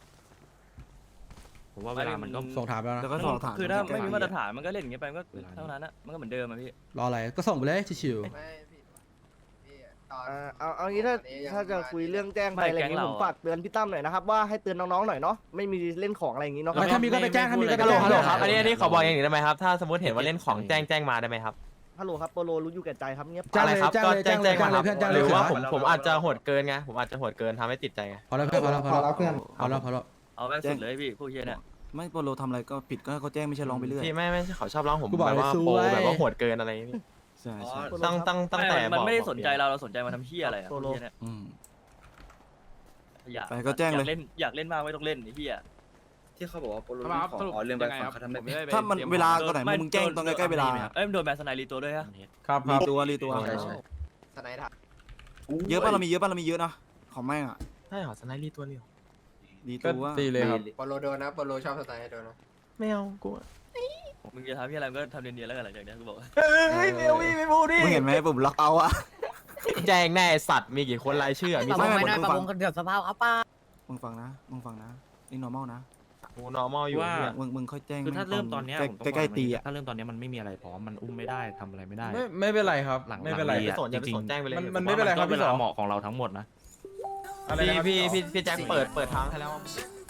[SPEAKER 10] ผมว่าเวลามันก็
[SPEAKER 5] ส่งถามไปแล้ว
[SPEAKER 1] แล้ว
[SPEAKER 5] นะ
[SPEAKER 1] ก็สอบถาม
[SPEAKER 2] คือถ้าไม่มีมาตรฐานมันก็เล่นอย่างเงี้ยไปมันก็เท่านั้นอะมันก็เหมือนเดิมอะพี่
[SPEAKER 5] รออะไรก็ส่งไปเลยชิว
[SPEAKER 9] ไม่พี่พี่ตอน
[SPEAKER 5] ๆเอาเอางี้ถ้าถ้าจะคุยเรื่องแจ้งไปอะไรอย่างงี้ผมฝากเตือนพี่ตั้มหน่อยนะครับว่าให้เตือนน้องๆหน่อยเนาะไม่มีเล่นของอะไรอย่างงี้เนาะถ้ามีก็ไปแจ้งถ้ามีก็ไปแจ้ง
[SPEAKER 10] ฮัลโหลครับอันนี้อันนี้ขอบอกอย่างหนึ่งได้ไหมครับถ้าสมมติเห็นว่าเล่นของแจ้งแจ้งมาได้ไหมครับ
[SPEAKER 5] ฮัลโหลครับโปโลรู้อยู่แก่ใจครับเงียบ
[SPEAKER 10] อะไรครับ
[SPEAKER 5] แจ้งเลยแจ้งเลยแจ้งเลยเพื่อนแจ้งเลย
[SPEAKER 10] หรือว่า
[SPEAKER 5] เสื
[SPEAKER 10] ผมผมอาจจะโหดเกินไงผมอาจจะโหดเกินทำให้ติดใจไง
[SPEAKER 5] พอแล้วเพื่อนพอแล้วพอแล้วเพื่อนพอแล้วพอแล้ว
[SPEAKER 2] เอาแม่งสุดเลยพี่พวกเฮียเนี่ย
[SPEAKER 1] ไม่โปรโลทำอะไรก็ผิดก็ให้เขาแจ้งไม่ใช่ร้องไปเรื่อย
[SPEAKER 10] พี่ไม่ไม่เขาชอบร้องผม
[SPEAKER 5] กูบอก
[SPEAKER 10] แบบ
[SPEAKER 5] เลย
[SPEAKER 10] ว่า
[SPEAKER 5] ส
[SPEAKER 10] โป
[SPEAKER 5] วย
[SPEAKER 10] แบบว่าโหดเกินอะไรอย่างงี้
[SPEAKER 1] สใช่ใช่
[SPEAKER 4] ตั้งตั้งตั้งแต่
[SPEAKER 2] ไม่มัน
[SPEAKER 4] บอก
[SPEAKER 2] ไม่ได้
[SPEAKER 4] บอก
[SPEAKER 2] สนใจเราเราสนใจมาทำเฮียอะไรอะ
[SPEAKER 4] โซโล
[SPEAKER 2] เหี้ยเนี่ย
[SPEAKER 1] อืม
[SPEAKER 2] อยาก
[SPEAKER 1] ไปก็แจ้งเลย
[SPEAKER 2] อยากเล่นอยากเล่นมากไม่ต้องเล่นไอ้เฮีย
[SPEAKER 6] ที่เขาบอกว่าโปรโล
[SPEAKER 11] ครับ
[SPEAKER 6] ของ
[SPEAKER 11] สรุป
[SPEAKER 6] อ๋อเรื่องไป
[SPEAKER 11] ยังไง
[SPEAKER 6] ฝั่
[SPEAKER 11] ครั
[SPEAKER 6] ง
[SPEAKER 11] บ
[SPEAKER 6] เขาทำ
[SPEAKER 11] ผม
[SPEAKER 6] ไม่
[SPEAKER 11] ไม่ได้ไป
[SPEAKER 1] ถ้ามัน
[SPEAKER 11] ตรีย
[SPEAKER 1] เวลา
[SPEAKER 11] พร้อม
[SPEAKER 1] ตอนไหนมึงแจ้งตอนใกล้ๆเวลา
[SPEAKER 2] เอ้ยมันโดนแบนสไนรีตัวด้วยฮะ
[SPEAKER 13] ครับค
[SPEAKER 1] รี
[SPEAKER 13] รับ
[SPEAKER 1] ตัวรีตัว
[SPEAKER 6] ใช่ใช่
[SPEAKER 9] สไนด์ทับ
[SPEAKER 1] เยอะป่ะเรามีเยอะป่ะเรามีเยอะนะของแม่งอ่ะ
[SPEAKER 4] ใช่เหรอสไนด์รีตัวเดียว
[SPEAKER 1] รี
[SPEAKER 13] ก็
[SPEAKER 1] ตัว
[SPEAKER 13] ตีเลยครับ
[SPEAKER 9] โปโลโดนนะโปโลชอบสไนด์โดนนะ
[SPEAKER 4] ไม่เอากู
[SPEAKER 2] มึงจะทำที่อะไรมึงก็ทำเนียนๆแล้วกันหลังจากนี้กูบอก
[SPEAKER 4] เฮ้ยไม่เอาไม่พูดดิ
[SPEAKER 1] มึงเห็นไหมปุ่มล็อกเอาอะ
[SPEAKER 4] แจ้งแน่สัตว์มีกี่คนรายชื่อมี
[SPEAKER 1] ไม่
[SPEAKER 4] สอง
[SPEAKER 1] ไม่
[SPEAKER 4] คน
[SPEAKER 1] ไม่
[SPEAKER 7] ประมงกันเดือดสภาพครับป้า
[SPEAKER 1] มึงฟังนะมึงฟังนะนี่ normal นะ
[SPEAKER 4] กู normal อยู่
[SPEAKER 10] ว่า
[SPEAKER 4] เนี่ย
[SPEAKER 1] มึงมึงค่อยแจ้ง
[SPEAKER 10] คือถ้าเริ่มตอนเนี้ย
[SPEAKER 1] ใกล้
[SPEAKER 10] ผมต้อง
[SPEAKER 1] ใกล้
[SPEAKER 10] บอก
[SPEAKER 1] ๆตี
[SPEAKER 10] อย่างนี้
[SPEAKER 1] อ่ะ
[SPEAKER 10] ถ้าเริ่มตอนเนี้ยมันไม่มีอะไรพร้อมมันอุ้มไม่ได้ทำอะไรไม่ได้
[SPEAKER 13] ไม่ไม่เป็นไรครับ
[SPEAKER 10] หลัง
[SPEAKER 13] ไม่เป็นไร
[SPEAKER 10] หลัง
[SPEAKER 4] ไม่สนอย่าไปสนแจ้งไปเลย
[SPEAKER 13] มันมันไม่เป็นไรครับ
[SPEAKER 10] ก็เว
[SPEAKER 13] พี่ส
[SPEAKER 10] ลา
[SPEAKER 13] อ
[SPEAKER 10] เหมาะของเราทั้งหมดนะ
[SPEAKER 13] อะไร
[SPEAKER 4] พี่
[SPEAKER 13] นะครับ
[SPEAKER 4] พี่
[SPEAKER 13] สอ
[SPEAKER 4] พี่พี่แจ็คเปิดเปิดทางให้แล้ว